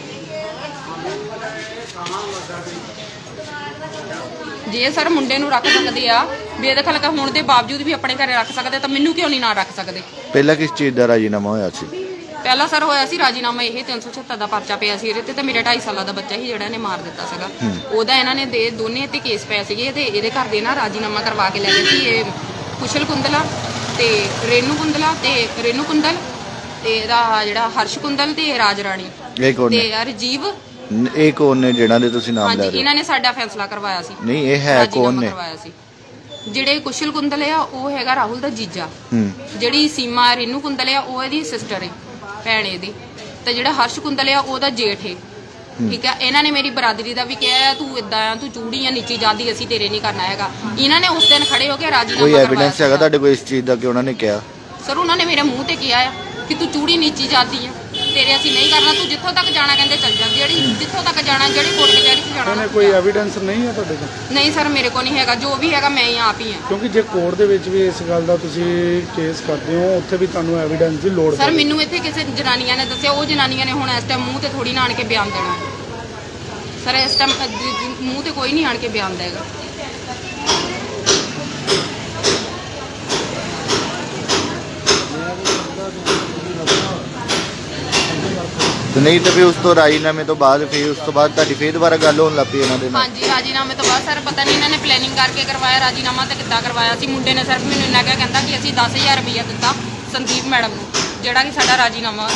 [SPEAKER 2] ਜੇ ਸਰ ਮੁੰਡੇ ਨੂੰ ਰੱਖ ਸਕਦੇ ਆ ਬੇਦਖਲ ਹੋਣ ਦੇ ਬਾਵਜੂਦ ਵੀ ਆਪਣੇ ਘਰੇ ਰੱਖ ਸਕਦੇ, ਤਾਂ ਮੈਨੂੰ ਕਿਉਂ ਨਹੀਂ ਨਾ ਰੱਖ ਸਕਦੇ?
[SPEAKER 8] ਪਹਿਲਾਂ ਕਿਸ ਚੀਜ਼ ਦਾ ਰਾਜੀਨਾਮਾ ਹੋਇਆ ਸੀ?
[SPEAKER 2] ਪਹਿਲਾਂ ਸਰ ਹੋਇਆ ਸੀ ਰਾਜੀਨਾਮਾ ਇਹ 376 ਦਾ ਪਰਚਾ ਪਿਆ ਸੀ ਇਹਦੇ ਤੇ ਮੇਰਾ 2.5 ਸਾਲਾਂ ਦਾ ਬੱਚਾ ਸੀ ਜਿਹੜਾ ਇਹਨੇ ਮਾਰ ਦਿੱਤਾ ਸੀਗਾ। ਉਹਦਾ ਇਹਨਾਂ ਨੇ ਦੋਨੇ ਤੇ ਕੇਸ ਪਏ ਸੀਗੇ ਤੇ ਇਹਦੇ ਘਰ ਦੇ ਨਾ ਰਾਜੀਨਾਮਾ ਕਰਵਾ ਕੇ ਲੈ ਗਏ ਸੀ। ਇਹ ਕੁਸ਼ਲ ਕੁੰਦਲਾ ਤੇ ਰੇਨੂ ਕੁੰਦਲ ਤੇ ਇਹਦਾ ਜਿਹੜਾ ਹਰਸ਼ ਕੁੰਦਲ ਤੇ ਰਾਜ ਰਾਣੀ
[SPEAKER 8] ਇਹ ਕੌਣ
[SPEAKER 2] ਤੇ
[SPEAKER 8] ਨੇ?
[SPEAKER 2] ਰਜੀਵ।
[SPEAKER 8] ਇਹ ਕੌਣ ਨੇ ਜਿਹਨਾਂ ਦੇ ਤੁਸੀਂ ਨਾਮ ਲੈ
[SPEAKER 2] ਹਾਂਜੀ
[SPEAKER 8] ਰਹੇ ਹੋ?
[SPEAKER 2] ਇਹਨਾਂ ਨੇ ਸਾਡਾ ਫੈਸਲਾ ਕਰਵਾਇਆ ਸੀ।
[SPEAKER 8] ਨਹੀਂ ਇਹ ਹੈ ਕੌਣ ਨੇ?
[SPEAKER 2] ਕਰਵਾਇਆ ਸੀ ਜਿਹੜੇ ਕੁਸ਼ਲ ਕੁੰਦਲ ਆ ਉਹ ਹੈਗਾ ਰਾਹੁਲ ਦਾ ਜੀਜਾ। ਜਿਹੜੀ ਸੀਮਾ ਰੇਨੂ ਕੁੰਦਲ ਆ ਉਹ ਇਹਦੀ ਸਿਸਟਰ ਹੈ, ਭੈਣ ਇਹਦੀ। ਤੇ ਜਿਹੜਾ ਹਰਸ਼ ਕੁੰਦਲ ਆ ਉਹਦਾ ਜੇਠ ਹੈ। ਠੀਕ ਆ। ਇਹਨਾਂ ਨੇ ਮੇਰੀ ਬਰਾਦਰੀ ਦਾ ਵੀ ਕਿਹਾ ਤੂੰ ਇਦਾਂ ਆ, ਤੂੰ ਚੂੜੀ ਆ ਨੀਚੀ ਜਾਂਦੀ, ਅਸੀਂ ਤੇਰੇ ਨਹੀਂ ਕਰਨਾ ਹੈਗਾ। ਇਹਨਾਂ ਨੇ ਉਸ ਦਿਨ ਖੜੇ ਹੋ ਕੇ ਰਾਜੀਨਾਮਾ
[SPEAKER 8] ਕੋਈ
[SPEAKER 2] ਕਰਵਾਇਆ।
[SPEAKER 8] ਐਵੀਡੈਂਸ ਹੈਗਾ ਤੁਹਾਡੇ ਕੋਲ ਇਸ ਚੀਜ਼ ਦਾ ਕਿ ਉਹਨਾਂ ਨੇ ਕਿਹਾ?
[SPEAKER 2] ਸਰ ਉਹਨਾਂ ਨੇ ਮੇਰੇ ਮੂੰਹ ਤੇ ਕਿਹਾ ਆ ਕਿ ਤੂੰ ਚੂੜੀ ਨੀਚੀ ਜਾਂਦੀ ਆ, ਤੇਰੇ ਅਸੀਂ ਨਹੀਂ ਕਰਨਾ, ਤੂੰ ਜਿੱਥੋਂ ਤੱਕ ਜਾਣਾ ਕਹਿੰਦੇ ਚੱਲ ਜਾ। ਜਿੱਥੋਂ ਤੱਕ ਜਾਣਾ, ਜਿਹੜੀ ਕੋਰਟ ਕਚਹਿਰੀ 'ਚ ਜਾਣਾ।
[SPEAKER 3] ਉਹਨੇ ਕੋਈ ਐਵੀਡੈਂਸ ਨਹੀਂ ਹੈ ਤੁਹਾਡੇ ਕੋਲ?
[SPEAKER 2] ਨਹੀਂ ਸਰ ਮੇਰੇ ਕੋਲ ਨਹੀਂ ਹੈਗਾ, ਜੋ ਵੀ ਹੈਗਾ ਮੈਂ ਹੀ ਆਪ ਹੀ ਆ।
[SPEAKER 3] ਕਿਉਂਕਿ ਜੇ ਕੋਰਟ ਦੇ ਵਿੱਚ ਵੀ ਇਸ ਗੱਲ ਦਾ ਤੁਸੀਂ ਕੇਸ ਕਰਦੇ ਹੋ, ਉੱਥੇ ਵੀ ਤੁਹਾਨੂੰ ਐਵੀਡੈਂਸ ਦੀ ਲੋੜ
[SPEAKER 2] ਸਰ ਮੈਨੂੰ ਇੱਥੇ ਕਿਸੇ ਜਨਾਨੀਆਂ ਨੇ ਦੱਸਿਆ, ਉਹ ਜਨਾਨੀਆਂ ਨੇ ਹੁਣ ਇਸ ਟਾਈਮ ਮੂੰਹ ਤੇ ਥੋੜੀ ਨਾ ਆਣ ਕੇ ਬਿਆਨ ਦੇਣਾ। ਸਰ ਇਸ ਟਾਈਮ ਮੂੰਹ ਤੇ ਕੋਈ ਨਹੀਂ ਆਣ ਕੇ ਬਿਆਨ ਦੇਗਾ।
[SPEAKER 8] ਨਹੀਂ ਤਾਂ ਫਿਰ ਉਸ ਤੋਂ ਰਾਜੀਨਾਮੇ ਤੋਂ ਬਾਅਦ ਉਸ ਤੋਂ ਬਾਅਦ ਤੁਹਾਡੀ ਫੇਰ ਦੁਬਾਰਾ ਗੱਲ ਹੋਣ ਲੱਗ ਪਈ ਇਹਨਾਂ ਦੇ ਨਾਲ?
[SPEAKER 2] ਹਾਂਜੀ ਰਾਜੀਨਾਮੇ ਤੋਂ ਬਾਅਦ ਸਰ ਪਤਾ ਨਹੀਂ ਇਹਨਾਂ ਨੇ ਪਲੈਨਿੰਗ ਕਰਕੇ ਕਰਵਾਇਆ ਰਾਜੀਨਾਮਾ ਤੇ ਕਿੱਦਾਂ ਕਰਵਾਇਆ ਸੀ। ਮੁੰਡੇ ਨੇ ਸਿਰਫ ਮੈਨੂੰ ਇੰਨਾ ਕਹਿੰਦਾ ਕਿ ਅਸੀਂ 10,000 ਰੁਪਇਆ ਦਿੱਤਾ ਸੰਦੀਪ ਮੈਡਮ ਨੂੰ, ਜਿਹੜਾ ਕਿ ਸਾਡਾ ਰਾਜੀਨਾਮਾ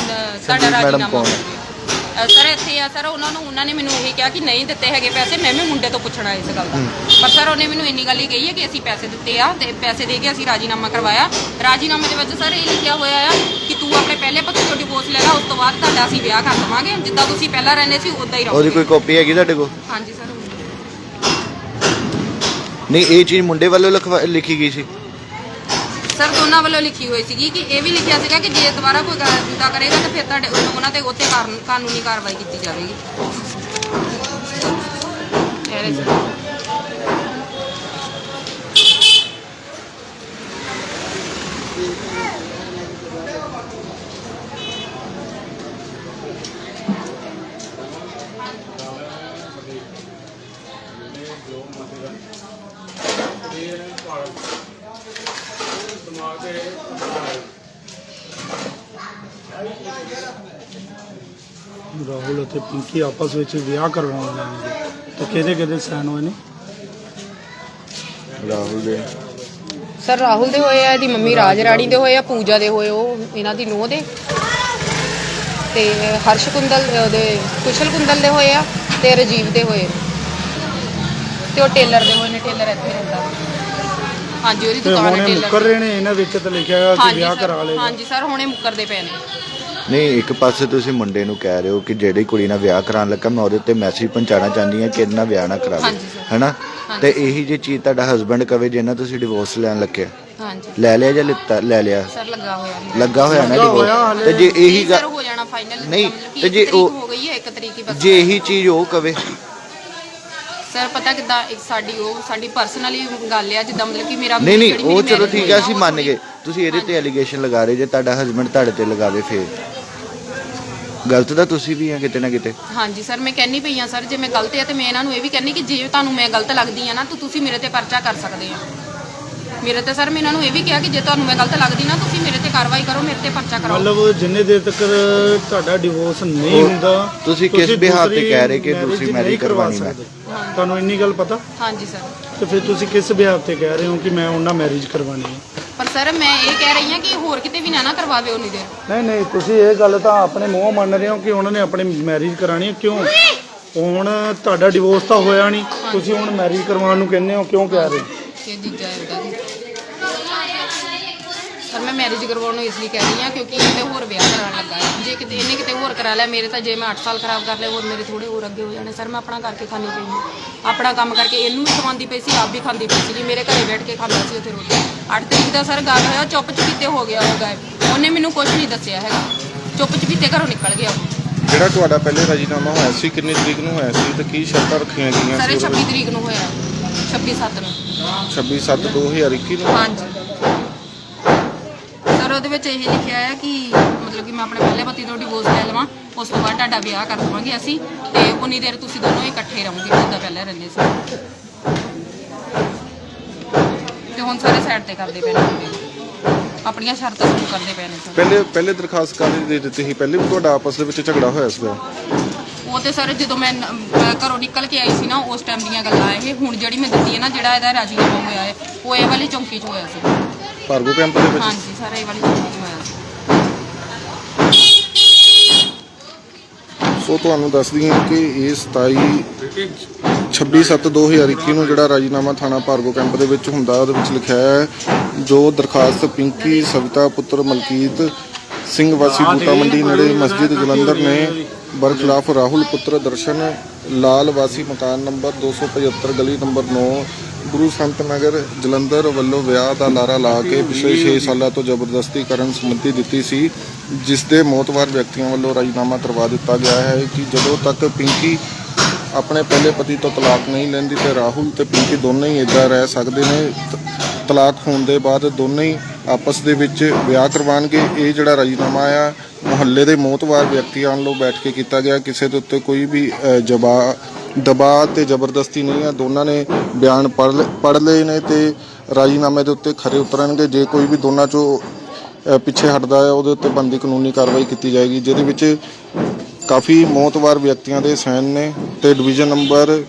[SPEAKER 2] ਸਰ ਇੱਥੇ ਆ। ਸਰ ਉਹਨਾਂ ਨੇ ਮੈਨੂੰ ਇਹ ਕਿਹਾ ਕਿ ਨਹੀਂ ਦਿੱਤੇ ਹੈਗੇ ਪੈਸੇ। ਮੈਂ ਵੀ ਮੁੰਡੇ ਤੋਂ ਪੁੱਛਣਾ ਇਸ ਗੱਲ ਦਾ, ਪਰ ਸਰ ਉਹਨੇ ਮੈਨੂੰ ਇੰਨੀ ਗੱਲ ਹੀ ਕਹੀ ਹੈ ਕਿ ਅਸੀਂ ਪੈਸੇ ਦਿੱਤੇ ਆ ਤੇ ਪੈਸੇ ਦੇ ਕੇ ਅਸੀਂ ਰਾਜੀਨਾਮਾ ਕਰਵਾਇਆ। ਰਾਜੀਨਾਮੇ ਦੇ ਵਿੱਚ ਸਰ ਇਹ ਲਿਖਿਆ ਹੋਇਆ ਆ ਕਿ ਤੂੰ ਆਪਣੇ ਪਹਿਲੇ ਪਤੀ ਤੋਂ ਡਿਵੋਰਸ ਲੈ ਲਾ, ਉਸ ਤੋਂ ਬਾਅਦ ਤੁਹਾਡਾ ਅਸੀਂ ਵਿਆਹ ਕਰ ਦੇਵਾਂਗੇ, ਜਿੱਦਾਂ ਤੁਸੀਂ ਪਹਿਲਾਂ ਰਹਿੰਦੇ ਸੀ ਉਦਾਂ ਹੀ ਰਹੋਗੇ।
[SPEAKER 8] ਉਹਦੀ ਕੋਈ ਕਾਪੀ ਹੈਗੀ ਤੁਹਾਡੇ ਕੋਲ?
[SPEAKER 2] ਹਾਂਜੀ ਸਰ।
[SPEAKER 8] ਨਹੀਂ ਇਹ ਚੀਜ਼ ਮੁੰਡੇ ਵੱਲੋਂ ਲਿਖੀ ਗਈ ਸੀ?
[SPEAKER 2] ਸਰ ਦੋਨਾਂ ਵੱਲੋਂ ਲਿਖੀ ਹੋਈ ਸੀਗੀ ਕਿ ਇਹ ਵੀ ਲਿਖਿਆ ਸੀਗਾ ਕਿ ਜੇ ਦੁਬਾਰਾ ਕੋਈ ਗੁੰਡਾ ਕਰੇਗਾ ਤਾਂ ਫਿਰ ਤੁਹਾਡੇ ਉਹਨਾਂ ਤੇ ਉੱਤੇ ਕਾਨੂੰਨੀ ਕਾਰਵਾਈ ਕੀਤੀ ਜਾਵੇਗੀ।
[SPEAKER 3] ਰਾਹੁਲ ਅਤੇ ਪਿੰਕੀ ਆਪਸ ਵਿੱਚ ਵਿਆਹ ਕਰਵਾਉਣ ਲੈਣਗੇ ਤਾਂ ਕਿਹਦੇ ਸਾਈਨ ਹੋਏ ਨੇ?
[SPEAKER 8] ਰਾਹੁਲ ਦੇ
[SPEAKER 2] ਸਰ ਰਾਹੁਲ ਦੇ ਹੋਏ ਆ, ਇਹਦੀ ਮੰਮੀ ਰਾਜ ਰਾਣੀ ਦੇ ਹੋਏ ਆ, ਪੂਜਾ ਦੇ ਹੋਏ, ਉਹ ਇਹਨਾਂ ਦੀ ਨੂੰਹ ਦੇ, ਤੇ ਹਰਸ਼ ਕੁੰਦਲ ਉਹਦੇ ਕੁਸ਼ਲ ਕੁੰਦਲ ਦੇ ਹੋਏ ਆ, ਤੇ ਰਜੀਵ ਦੇ ਹੋਏ। ਤੇ ਉਹ ਟੇਲਰ ਦੇ ਹੋਏ ਨੇ, ਟੇਲਰ ਇੱਥੇ ਰਹਿੰਦਾ ਵਾ। ਹਾਂਜੀ ਉਹਦੀ
[SPEAKER 3] ਤੇ
[SPEAKER 2] ਦੁਕਾਨ ਹੈ
[SPEAKER 3] ਹੁਣੇ
[SPEAKER 2] ਟੇਲਰ
[SPEAKER 3] ਮੁੱਕਰ ਰਹੇ ਨੇ ਇਹਨਾਂ ਵਿੱਚ ਤਾਂ ਲਿਖਿਆ ਹੈਗਾ ਕਿ
[SPEAKER 2] ਹਾਂਜੀ
[SPEAKER 3] ਵਿਆਹ
[SPEAKER 2] ਸਰ,
[SPEAKER 3] ਕਰਾ ਲਏਗਾ।
[SPEAKER 2] ਹਾਂਜੀ ਸਰ ਹੁਣੇ ਮੁੱਕਰਦੇ ਪਏ ਨੇ।
[SPEAKER 8] ਨਹੀਂ, ਇੱਕ ਪਾਸੇ ਤੁਸੀਂ ਮੁੰਡੇ ਨੂੰ ਕਹਿ ਰਹੇ ਹੋ ਕਿ ਜਿਹੜੀ ਕੁੜੀ ਨਾਲ ਵਿਆਹ ਕਰਾਉਣ ਲੱਗਾ ਮੈਂ ਉਹਦੇ ਉੱਤੇ ਮੈਸੇਜ ਪਹੁੰਚਾਉਣਾ ਚਾਹੁੰਦੀ ਹਾਂ ਕਿ ਇਹਦੇ ਨਾਲ ਵਿਆਹ ਨਾ ਕਰਾਵੇ,
[SPEAKER 2] ਹਾਂਜੀ ਸਰ।
[SPEAKER 8] ਹੈਨਾ?
[SPEAKER 2] ਹਾਂਜੀ
[SPEAKER 8] ਤੇ
[SPEAKER 2] ਸਰ।
[SPEAKER 8] ਇਹੀ ਜੇ ਚੀਜ਼ ਤੁਹਾਡਾ ਹਸਬੰਡ ਕਵੇ ਜਿਹਨਾਂ ਤੁਸੀਂ ਡਿਵੋਰਸ ਲੈਣ ਲੱਗੇ,
[SPEAKER 2] ਹਾਂਜੀ
[SPEAKER 8] ਲੈ ਲਿਆ ਜਾਂ ਲਿੱਤਾ? ਲੈ ਲਿਆ।
[SPEAKER 2] ਸਰ ਲੱਗਾ ਹੋਇਆ
[SPEAKER 8] ਲੱਗਾ ਹੋਇਆ ਨਾ
[SPEAKER 3] ਲੱਗਾ ਹੋਇਆ
[SPEAKER 8] ਡਿਵੋਰਸ।
[SPEAKER 3] ਹਾਲੇ।
[SPEAKER 8] ਤੇ ਜੇ ਇਹੀ
[SPEAKER 2] ਸਰ
[SPEAKER 8] ਗੱਲ,
[SPEAKER 2] ਹੋ ਜਾਣਾ ਫਾਈਨਲ,
[SPEAKER 8] ਨਹੀਂ,
[SPEAKER 2] ਤੇ
[SPEAKER 8] ਤੇ
[SPEAKER 2] ਜੇ
[SPEAKER 8] ਜੇ ਉਹ-
[SPEAKER 2] ਹੋ ਗਈ ਹੈ 1 ਤਰੀਕ ਹੀ ਬਸ।
[SPEAKER 8] ਜੇ ਇਹੀ ਚੀਜ਼ ਉਹ ਕਵੇ,
[SPEAKER 2] ਸਰ ਪਤਾ ਕਿੱਦਾਂ ਇੱਕ ਸਾਡੀ ਪਰਸਨਲੀ ਗੱਲ ਆ, ਜਿੱਦਾਂ ਮਤਲਬ ਕਿ ਮੇਰਾ
[SPEAKER 8] ਨਹੀਂ ਨਹੀਂ
[SPEAKER 2] ਜਿਹੜੀ
[SPEAKER 8] ਉਹ
[SPEAKER 2] ਮੇਰੀ
[SPEAKER 8] ਚਲੋ
[SPEAKER 2] marriage
[SPEAKER 8] ਠੀਕ
[SPEAKER 2] ਹੋਈ
[SPEAKER 8] ਹੈ,
[SPEAKER 2] ਨਾ,
[SPEAKER 8] ਅਸੀਂ
[SPEAKER 2] ਉਹ
[SPEAKER 8] ਮੰਨ
[SPEAKER 2] ਥੋੜ੍ਹੀ-
[SPEAKER 8] ਗਏ। ਤੁਸੀਂ ਇਹਦੇ ਤੇ ਐਲੀਗੇਸ਼ਨ ਲਗਾ ਰਹੇ ਜੇ ਤੁਹਾਡਾ ਹਸਬੰਡ ਤੁਹਾਡੇ ਤੇ ਲਗਾਵੇ, ਫੇਰ ਗਲਤ ਤਾਂ ਤੁਸੀਂ ਵੀ ਆ ਕਿਤੇ ਨਾ ਕਿਤੇ।
[SPEAKER 2] ਹਾਂਜੀ ਸਰ ਮੈਂ ਕਹਿੰਨੀ ਪਈ ਆ ਸਰ, ਜੇ ਮੈਂ ਗਲਤ ਆ ਤੇ ਮੈਂ ਇਹਨਾਂ ਨੂੰ ਇਹ ਵੀ ਕਹਿੰਨੀ ਕਿ ਜੇ ਤੁਹਾਨੂੰ ਮੈਂ ਗਲਤ ਲੱਗਦੀ ਆ ਨਾ ਤਾਂ ਤੁਸੀਂ ਮੇਰੇ ਤੇ ਪਰਚਾ ਕਰ ਸਕਦੇ ਆ। ਮੇਰੇ ਤੇ ਸਰ ਮੈਂ ਇਹਨਾਂ ਨੂੰ ਇਹ ਵੀ ਕਿਹਾ ਕਿ ਜੇ ਤੁਹਾਨੂੰ ਮੈਂ ਗਲਤ ਲੱਗਦੀ ਨਾ ਤੁਸੀਂ ਮੇਰੇ ਤੇ ਕਾਰਵਾਈ ਕਰੋ, ਮੇਰੇ ਤੇ ਪਰਚਾ ਕਰਾਓ।
[SPEAKER 3] ਮਤਲਬ ਜਿੰਨੇ ਦੇਰ ਤੱਕ ਤੁਹਾਡਾ ਡਿਵੋਰਸ ਨਹੀਂ
[SPEAKER 8] ਉਹ
[SPEAKER 3] ਹੁੰਦਾ
[SPEAKER 8] ਤੁਸੀਂ ਕਿਸ ਬਿਹਾਰ ਤੇ
[SPEAKER 3] ਦੂਸਰੀ
[SPEAKER 8] ਕਹਿ ਰਹੇ ਕਿ
[SPEAKER 3] marriage
[SPEAKER 8] ਦੂਸਰੀ
[SPEAKER 3] ਨਹੀਂ
[SPEAKER 8] marriage
[SPEAKER 3] ਕਰਵਾ
[SPEAKER 8] ਕਰਵਾਉਣੀ ਮੈਂ?
[SPEAKER 3] ਸਕਦੇ। ਤੁਹਾਨੂੰ ਇੰਨੀ ਗੱਲ ਪਤਾ?
[SPEAKER 2] ਹਾਂਜੀ ਸਰ।
[SPEAKER 3] ਤੇ ਫਿਰ ਤੁਸੀਂ ਕਿਸ ਬਿਹਾਰ ਤੇ ਕਹਿ ਰਹੇ ਹੋ ਕਿ ਮੈਂ ਉਹਨਾਂ ਮੈਰਿਜ ਕਰਵਾਉਣੀ ਹੈ?
[SPEAKER 2] ਪਰ ਸਰ ਮੈਂ ਇਹ ਕਹਿ ਰਹੀ ਹਾਂ ਕਿ ਹੋਰ ਕਿਤੇ ਵੀ ਨਾ ਕਰਵਾਵੇ ਉਨੀ ਦੇਰ।
[SPEAKER 3] ਨਹੀਂ ਨਹੀਂ, ਤੁਸੀਂ ਇਹ ਗੱਲ ਤਾਂ ਆਪਣੇ ਮੂੰਹੋਂ ਮੰਨ ਰਹੇ ਹੋ ਕਿ ਉਹਨਾਂ ਨੇ ਆਪਣੀ ਮੈਰਿਜ ਕਰਾਣੀ ਹੈ। ਕਿਉਂ? ਹੁਣ ਤੁਹਾਡਾ ਡਿਵੋਰਸ ਤਾਂ ਹੋਇਆ ਨਹੀਂ, ਤੁਸੀਂ ਹੁਣ ਮੈਰਿਜ ਕਰਵਾਉਣ ਨੂੰ ਕਹਿੰਦੇ ਹੋ, ਕਿਉਂ ਕਹਿ ਰਹੇ ਹੋ?
[SPEAKER 2] ਕਿ ਜੀਜਾ ਹੈ ਉਹਦਾ ਜੀ। ਸਰ ਮੈਂ ਮੈਰਿਜ ਕਰਵਾਉਣ ਨੂੰ ਇਸ ਲਈ ਕਹਿ ਰਹੀ ਹਾਂ ਕਿਉਂਕਿ ਇਹਦੇ ਹੋਰ ਵਿਆਹ ਕਰਾਉਣ ਲੱਗਾ ਹੈ। ਜੇ ਕਿਤੇ ਇਹਨੇ ਕਿਤੇ ਹੋਰ ਕਰਾ ਲਿਆ ਮੇਰੇ ਤਾਂ, ਜੇ ਮੈਂ 8 ਸਾਲ ਖਰਾਬ ਕਰ ਲਏ ਹੋਰ ਮੇਰੇ ਥੋੜੇ ਹੋਰ ਅੱਗੇ ਹੋ ਜਾਣੇ। ਸਰ ਮੈਂ ਆਪਣਾ ਕਰਕੇ ਖਾਣੀ ਪਈ ਹਾਂ, ਆਪਣਾ ਕੰਮ ਕਰਕੇ ਇਹਨੂੰ ਵੀ ਖਵਾਉਂਦੀ ਪਈ ਸੀ, ਆਪ ਵੀ ਖਾਂਦੀ ਪਈ ਸੀ। ਮੇਰੇ ਘਰੇ ਬੈਠ ਕੇ ਖਾਂਦਾ ਸੀ ਉੱਥੇ ਰੋਟੀ। 8 ਤਰੀਕ ਦਾ ਸਰ ਗੱਲ ਹੋਇਆ, ਚੁੱਪ ਚੁਪੀਤੇ ਹੋ ਗਿਆ ਉਹ ਗਾਇਬ। ਉਹਨੇ ਮੈਨੂੰ ਕੁਝ ਨਹੀਂ ਦੱਸਿਆ ਹੈਗਾ, ਚੁੱਪ ਚੁਪੀਤੇ ਘਰੋਂ ਨਿਕਲ ਗਿਆ ਉਹ।
[SPEAKER 1] ਜਿਹੜਾ ਤੁਹਾਡਾ ਪਹਿਲੇ ਰਾਜੀਨਾਮਾ ਹੋਇਆ ਸੀ ਕਿੰਨੀ ਤਰੀਕ ਨੂੰ ਹੋਇਆ ਸੀ ਤੇ ਕੀ ਸ਼ਰਤਾਂ ਰੱਖੀਆਂ ਗਈਆਂ
[SPEAKER 2] ਸਰ
[SPEAKER 1] ਸੀ?
[SPEAKER 2] ਇਹ 26 ਤਰੀਕ ਨੂੰ ਹੋਇਆ, 26/7 ਨੂੰ।
[SPEAKER 1] 26/7/2021 ਨੂੰ।
[SPEAKER 2] ਹਾਂਜੀ ਸਰ ਉਹਦੇ ਵਿੱਚ ਇਹ ਲਿਖਿਆ ਹੈ ਕਿ ਮਤਲਬ ਕਿ ਮੈਂ ਆਪਣੇ ਪਹਿਲੇ ਪਤੀ ਤੋਂ ਡਿਵੋਰਸ ਲੈ ਲਵਾਂ, ਉਸ ਤੋਂ ਬਾਅਦ ਤੁਹਾਡਾ ਵਿਆਹ ਕਰ ਦੇਵਾਂਗੇ ਅਸੀਂ, ਤੇ ਉਨੀ ਦੇਰ ਤੁਸੀਂ ਦੋਨੋਂ ਇਕੱਠੇ ਰਹੋਗੇ ਜਿੱਦਾਂ ਪਹਿਲਾਂ ਰਹਿੰਦੇ ਸੀ। ਤੇ ਹੁਣ ਸਾਰੇ ਸਾਈਡ ਤੇ ਕਰਦੇ ਪਏ ਨੇ, ਆਪਣੀਆਂ ਸ਼ਰਤਾਂ ਸ਼ੁਰੂ ਕਰਦੇ ਪਏ ਨੇ ਸਰ।
[SPEAKER 1] ਪਹਿਲੇ ਦਰਖਾਸਤ ਕਾਹਦੀ ਦੇ ਦਿੱਤੀ ਸੀ? ਪਹਿਲੇ ਵੀ ਤੁਹਾਡਾ ਆਪਸ ਦੇ ਵਿੱਚ ਝਗੜਾ ਹੋਇਆ ਸੀਗਾ?
[SPEAKER 2] ਉਹ ਤੇ ਸਰ ਜਦੋਂ ਮੈਂ ਘਰੋਂ ਨਿਕਲ ਕੇ ਆਈ ਸੀ ਨਾ ਉਸ ਟਾਈਮ ਦੀਆਂ ਗੱਲਾਂ ਇਹ। ਹੁਣ ਜਿਹੜੀ ਮੈਂ ਦਿੱਤੀ ਹੈ ਨਾ, ਜਿਹੜਾ ਇਹਦਾ ਰਾਜੀਨਾਮਾ ਹੋਇਆ ਹੈ, ਉਹ ਇਹ ਵਾਲੀ ਚੌਂਕੀ 'ਚ ਹੋਇਆ ਸੀ।
[SPEAKER 1] ਭਾਰਗੋ ਕੈਂਪ ਦੇ ਵਿੱਚ?
[SPEAKER 2] ਹਾਂਜੀ ਸਰ ਇਹ ਵਾਲੀ ਚੌਂਕੀ 'ਚ ਹੋਇਆ ਸੀ।
[SPEAKER 1] ਸੋ ਤੁਹਾਨੂੰ ਦੱਸਦੀ ਹਾਂ ਕਿ ਇਹ 26/7/2021 ਨੂੰ ਜਿਹੜਾ ਰਾਜੀਨਾਮਾ ਥਾਣਾ ਭਾਰਗੋ ਕੈਂਪ ਦੇ ਵਿੱਚ ਹੁੰਦਾ, ਉਹਦੇ ਵਿੱਚ ਲਿਖਿਆ ਹੈ ਜੋ ਦਰਖਾਸਤ ਪਿੰਕੀ ਸਵਿਤਾ ਪੁੱਤਰ ਮਲਕੀਤ ਸਿੰਘ ਵਾਸੀ ਬੂਟਾ ਮੰਡੀ ਨੇੜੇ ਮਸਜਿਦ ਜਲੰਧਰ ਨੇ ਬਰਖਲਾਫ ਰਾਹੁਲ ਪੁੱਤਰ ਦਰਸ਼ਨ ਲਾਲ ਵਾਸੀ ਮਕਾਨ ਨੰਬਰ 275 ਗਲੀ ਨੰਬਰ 9 ਗੁਰੂ ਸੰਤ ਨਗਰ ਜਲੰਧਰ ਵੱਲੋਂ ਵਿਆਹ ਦਾ ਲਾਰਾ ਲਾ ਕੇ ਪਿਛਲੇ 6 ਸਾਲਾਂ ਤੋਂ ਜ਼ਬਰਦਸਤੀ ਕਰਨ ਸੰਬੰਧੀ ਦਿੱਤੀ ਸੀ, ਜਿਸ ਦੇ ਮੌਤਵਾਰ ਵਿਅਕਤੀਆਂ ਵੱਲੋਂ ਰਾਜੀਨਾਮਾ ਕਰਵਾ ਦਿੱਤਾ ਗਿਆ ਹੈ ਕਿ ਜਦੋਂ ਤੱਕ ਪਿੰਕੀ ਆਪਣੇ ਪਹਿਲੇ ਪਤੀ ਤੋਂ ਤਲਾਕ ਨਹੀਂ ਲੈਂਦੀ ਤੇ ਰਾਹੁਲ ਤੇ ਪਿੰਕੀ ਦੋਨੇ ਹੀ ਇੱਦਾਂ ਰਹਿ ਸਕਦੇ ਨੇ। ਤਲਾਕ ਹੋਣ ਦੇ ਬਾਅਦ ਦੋਨੇ ਹੀ ਆਪਸ ਦੇ ਵਿੱਚ ਵਿਆਹ ਕਰਵਾਉਣਗੇ। ਇਹ ਜਿਹੜਾ ਰਾਜੀਨਾਮਾ ਆ ਮੁਹੱਲੇ ਦੇ ਮੌਤਵਾਰ ਵਿਅਕਤੀਆਂ ਵੱਲੋਂ ਬੈਠ ਕੇ ਕੀਤਾ ਗਿਆ, ਕਿਸੇ ਦੇ ਉੱਤੇ ਕੋਈ ਵੀ ਦਬਾਅ ਤੇ ਜ਼ਬਰਦਸਤੀ ਨਹੀਂ ਆ। ਦੋਨਾਂ ਨੇ ਬਿਆਨ ਪੜ੍ਹ ਲਏ ਨੇ ਤੇ ਰਾਜੀਨਾਮੇ ਦੇ ਉੱਤੇ ਖਰੇ ਉਤਰਨਗੇ। ਜੇ ਕੋਈ ਵੀ ਦੋਨਾਂ ਚੋਂ ਪਿੱਛੇ ਹਟਦਾ ਹੈ ਉਹਦੇ ਉੱਤੇ ਬਣਦੀ ਕਾਨੂੰਨੀ ਕਾਰਵਾਈ ਕੀਤੀ ਜਾਏਗੀ, ਜਿਹਦੇ ਵਿੱਚ ਕਾਫੀ ਮੌਤਵਾਰ ਵਿਅਕਤੀਆਂ ਦੇ ਸਾਈਨ ਨੇ ਤੇ ਡਿਵੀਜ਼ਨ ਨੰਬਰ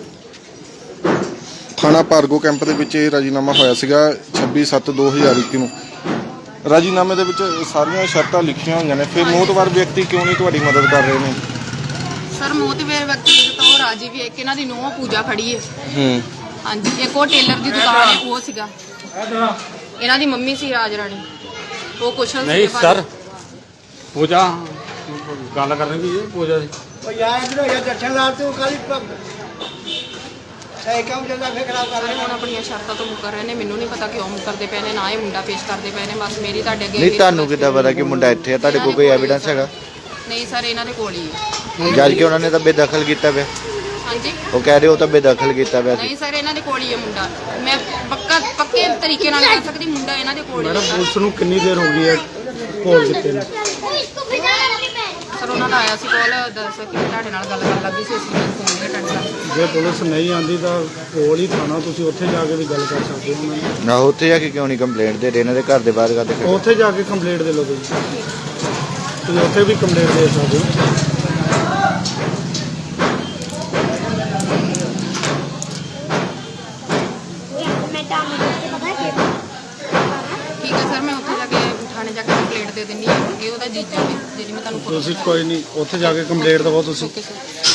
[SPEAKER 1] ਥਾਣਾ ਭਾਰਗੋ ਕੈਂਪ ਦੇ ਵਿੱਚ ਇਹ ਰਾਜੀਨਾਮਾ ਹੋਇਆ ਸੀਗਾ 26/7/2021 ਨੂੰ। ਰਾਜੀਨਾਮੇ ਦੇ ਵਿੱਚ ਸਾਰੀਆਂ ਸ਼ਰਤਾਂ ਲਿਖੀਆਂ ਹੋਈਆਂ ਨੇ, ਫਿਰ ਮੌਤਵਾਰ ਵਿਅਕਤੀ ਕਿਉਂ ਨਹੀਂ ਤੁਹਾਡੀ ਮਦਦ ਕਰ ਰਹੇ ਨੇ?
[SPEAKER 2] ਸਰ ਮੋਤੀਵੇਰ ਵਿਅਕਤੀ ਤਾਂ ਉਹ ਰਾਜੀ ਵੀ ਇੱਕ ਇਹਨਾਂ ਦੀ ਨੂੰਹ ਪੂਜਾ ਖੜੀ ਹੈ। ਹਾਂਜੀ ਇੱਕ ਉਹ ਟੇਲਰ ਦੀ ਦੁਕਾਨ ਹੈ ਉਹ ਸੀਗਾ, ਇਹਨਾਂ ਦੀ ਮੰਮੀ ਸੀ ਰਾਜ ਰਾਣੀ, ਉਹ ਕੁਸ਼ਲ
[SPEAKER 6] ਨਹੀਂ
[SPEAKER 2] ਸੀ।
[SPEAKER 6] ਸਰ, ਪੂਜਾ ਗੱਲ ਕਰਨੀ ਵੀ ਹੈ ਪੂਜਾ ਦੀ।
[SPEAKER 5] ਉਹ ਯਾਰ ਇਧਰੋਂ ਯਾਰ ਦਰਸ਼ਨਲਾਲ ਤੂੰ ਕਾਲੀ ਸਹੀ ਕੰਮ ਚੱਲਦਾ ਫੇਰ ਖਰਾਬ ਕਰ
[SPEAKER 2] ਸਾਰੇ ਹੁਣ ਆਪਣੀਆਂ ਸ਼ਰਤਾਂ ਤੋਂ ਮੁੱਕਰ ਰਹੇ ਨੇ, ਮੈਨੂੰ ਨਹੀਂ ਪਤਾ ਕਿਉਂ ਮੁੱਕਰਦੇ ਪਏ ਨੇ, ਨਾ ਇਹ ਮੁੰਡਾ ਪੇਸ਼ ਕਰਦੇ ਪਏ ਨੇ। ਬਸ ਮੇਰੀ ਤੁਹਾਡੇ ਅੱਗੇ
[SPEAKER 8] ਨਹੀਂ, ਤੁਹਾਨੂੰ ਕਿੱਦਾਂ ਪਤਾ ਕਿ ਮੁੰਡਾ ਇੱਥੇ ਆ? ਤੁਹਾਡੇ ਕੋਲ ਕੋਈ ਐਵੀਡੈਂਸ ਹੈਗਾ?
[SPEAKER 2] ਨਹੀਂ ਸਰ ਇਹਨਾਂ ਦੇ ਕੋਲ ਹੀ ਹੈ।
[SPEAKER 8] ਜਦ ਕਿ ਉਹਨਾਂ ਨੇ ਤਾਂ ਬੇਦਖਲ ਕੀਤਾ ਪਿਆ।
[SPEAKER 2] ਹਾਂਜੀ
[SPEAKER 8] ਉਹ ਕਹਿ ਰਹੇ ਉਹ ਤਾਂ ਬੇਦਖਲ ਕੀਤਾ ਪਿਆ ਸੀ।
[SPEAKER 2] ਨਹੀਂ ਸਰ ਇਹਨਾਂ ਦੇ ਕੋਲ ਹੀ ਹੈ ਮੁੰਡਾ, ਮੈਂ ਪੱਕੇ ਤਰੀਕੇ ਨਾਲ ਕਹਿ ਸਕਦੀ ਮੁੰਡਾ ਇਹਨਾਂ ਦੇ ਕੋਲ ਹੀ
[SPEAKER 3] ਮੈਡਮ
[SPEAKER 2] ਹੈ।
[SPEAKER 3] ਪੁਲਿਸ ਨੂੰ ਕਿੰਨੀ ਦੇਰ ਹੋ ਗਈ ਹੈ ਕੋਲ ਕੀਤੇ ਨੇ?
[SPEAKER 2] ਸਰ ਉਹਨਾਂ ਦਾ ਆਇਆ ਸੀ ਕੋਲ, ਦੱਸ ਕਿ ਤੁਹਾਡੇ ਨਾਲ ਗੱਲ ਕਰਨ ਲੱਗੀ ਸੀ, ਅਸੀਂ ਫੋਨ ਨਹੀਂ ਅਟੈਂਡ ਕਰ।
[SPEAKER 3] ਜੇ ਪੁਲਿਸ ਨਹੀਂ ਆਂਦੀ ਤਾਂ ਕੋਲ ਹੀ ਥਾਣਾ, ਤੁਸੀਂ ਉੱਥੇ ਜਾ ਕੇ ਵੀ ਗੱਲ ਕਰ ਸਕਦੇ ਹੋ ਉਹਨਾਂ ਨਾਲ।
[SPEAKER 8] ਨਾ ਉੱਥੇ ਜਾ ਕੇ ਕਿਉਂ ਨਹੀਂ ਕੰਪਲੇਂਟ ਦੇ ਰਹੇ? ਇਹਨਾਂ ਦੇ ਘਰ ਦੇ ਬਾਹਰ ਕਰਦੇ ਖੜੇ?
[SPEAKER 3] ਉੱਥੇ ਜਾ ਕੇ ਕੰਪਲੇਂਟ ਦੇ ਲਓ ਤੁਸੀਂ ਉੱਥੇ ਵੀ ਕੰਪਲੇਂਟ ਦੇ ਸਕਦੇ ਹੋ।
[SPEAKER 2] ਠੀਕ ਹੈ ਸਰ, ਮੈਂ ਉੱਥੇ ਜਾ ਕੇ ਥਾਣੇ ਜਾ ਕੇ ਕੰਪਲੇਂਟ ਦੇ ਦਿੰਦੀ ਹਾਂ। ਇਹ ਉਹਦਾ ਜੀਜਾ ਵੀ ਜਿਹੜੀ ਮੈਂ ਤੁਹਾਨੂੰ
[SPEAKER 3] ਤੁਸੀਂ ਕੋਈ ਨਹੀਂ ਉੱਥੇ ਜਾ ਕੇ ਕੰਪਲੇਂਟ ਦਵੋ ਤੁਸੀਂ।
[SPEAKER 2] Okay sir.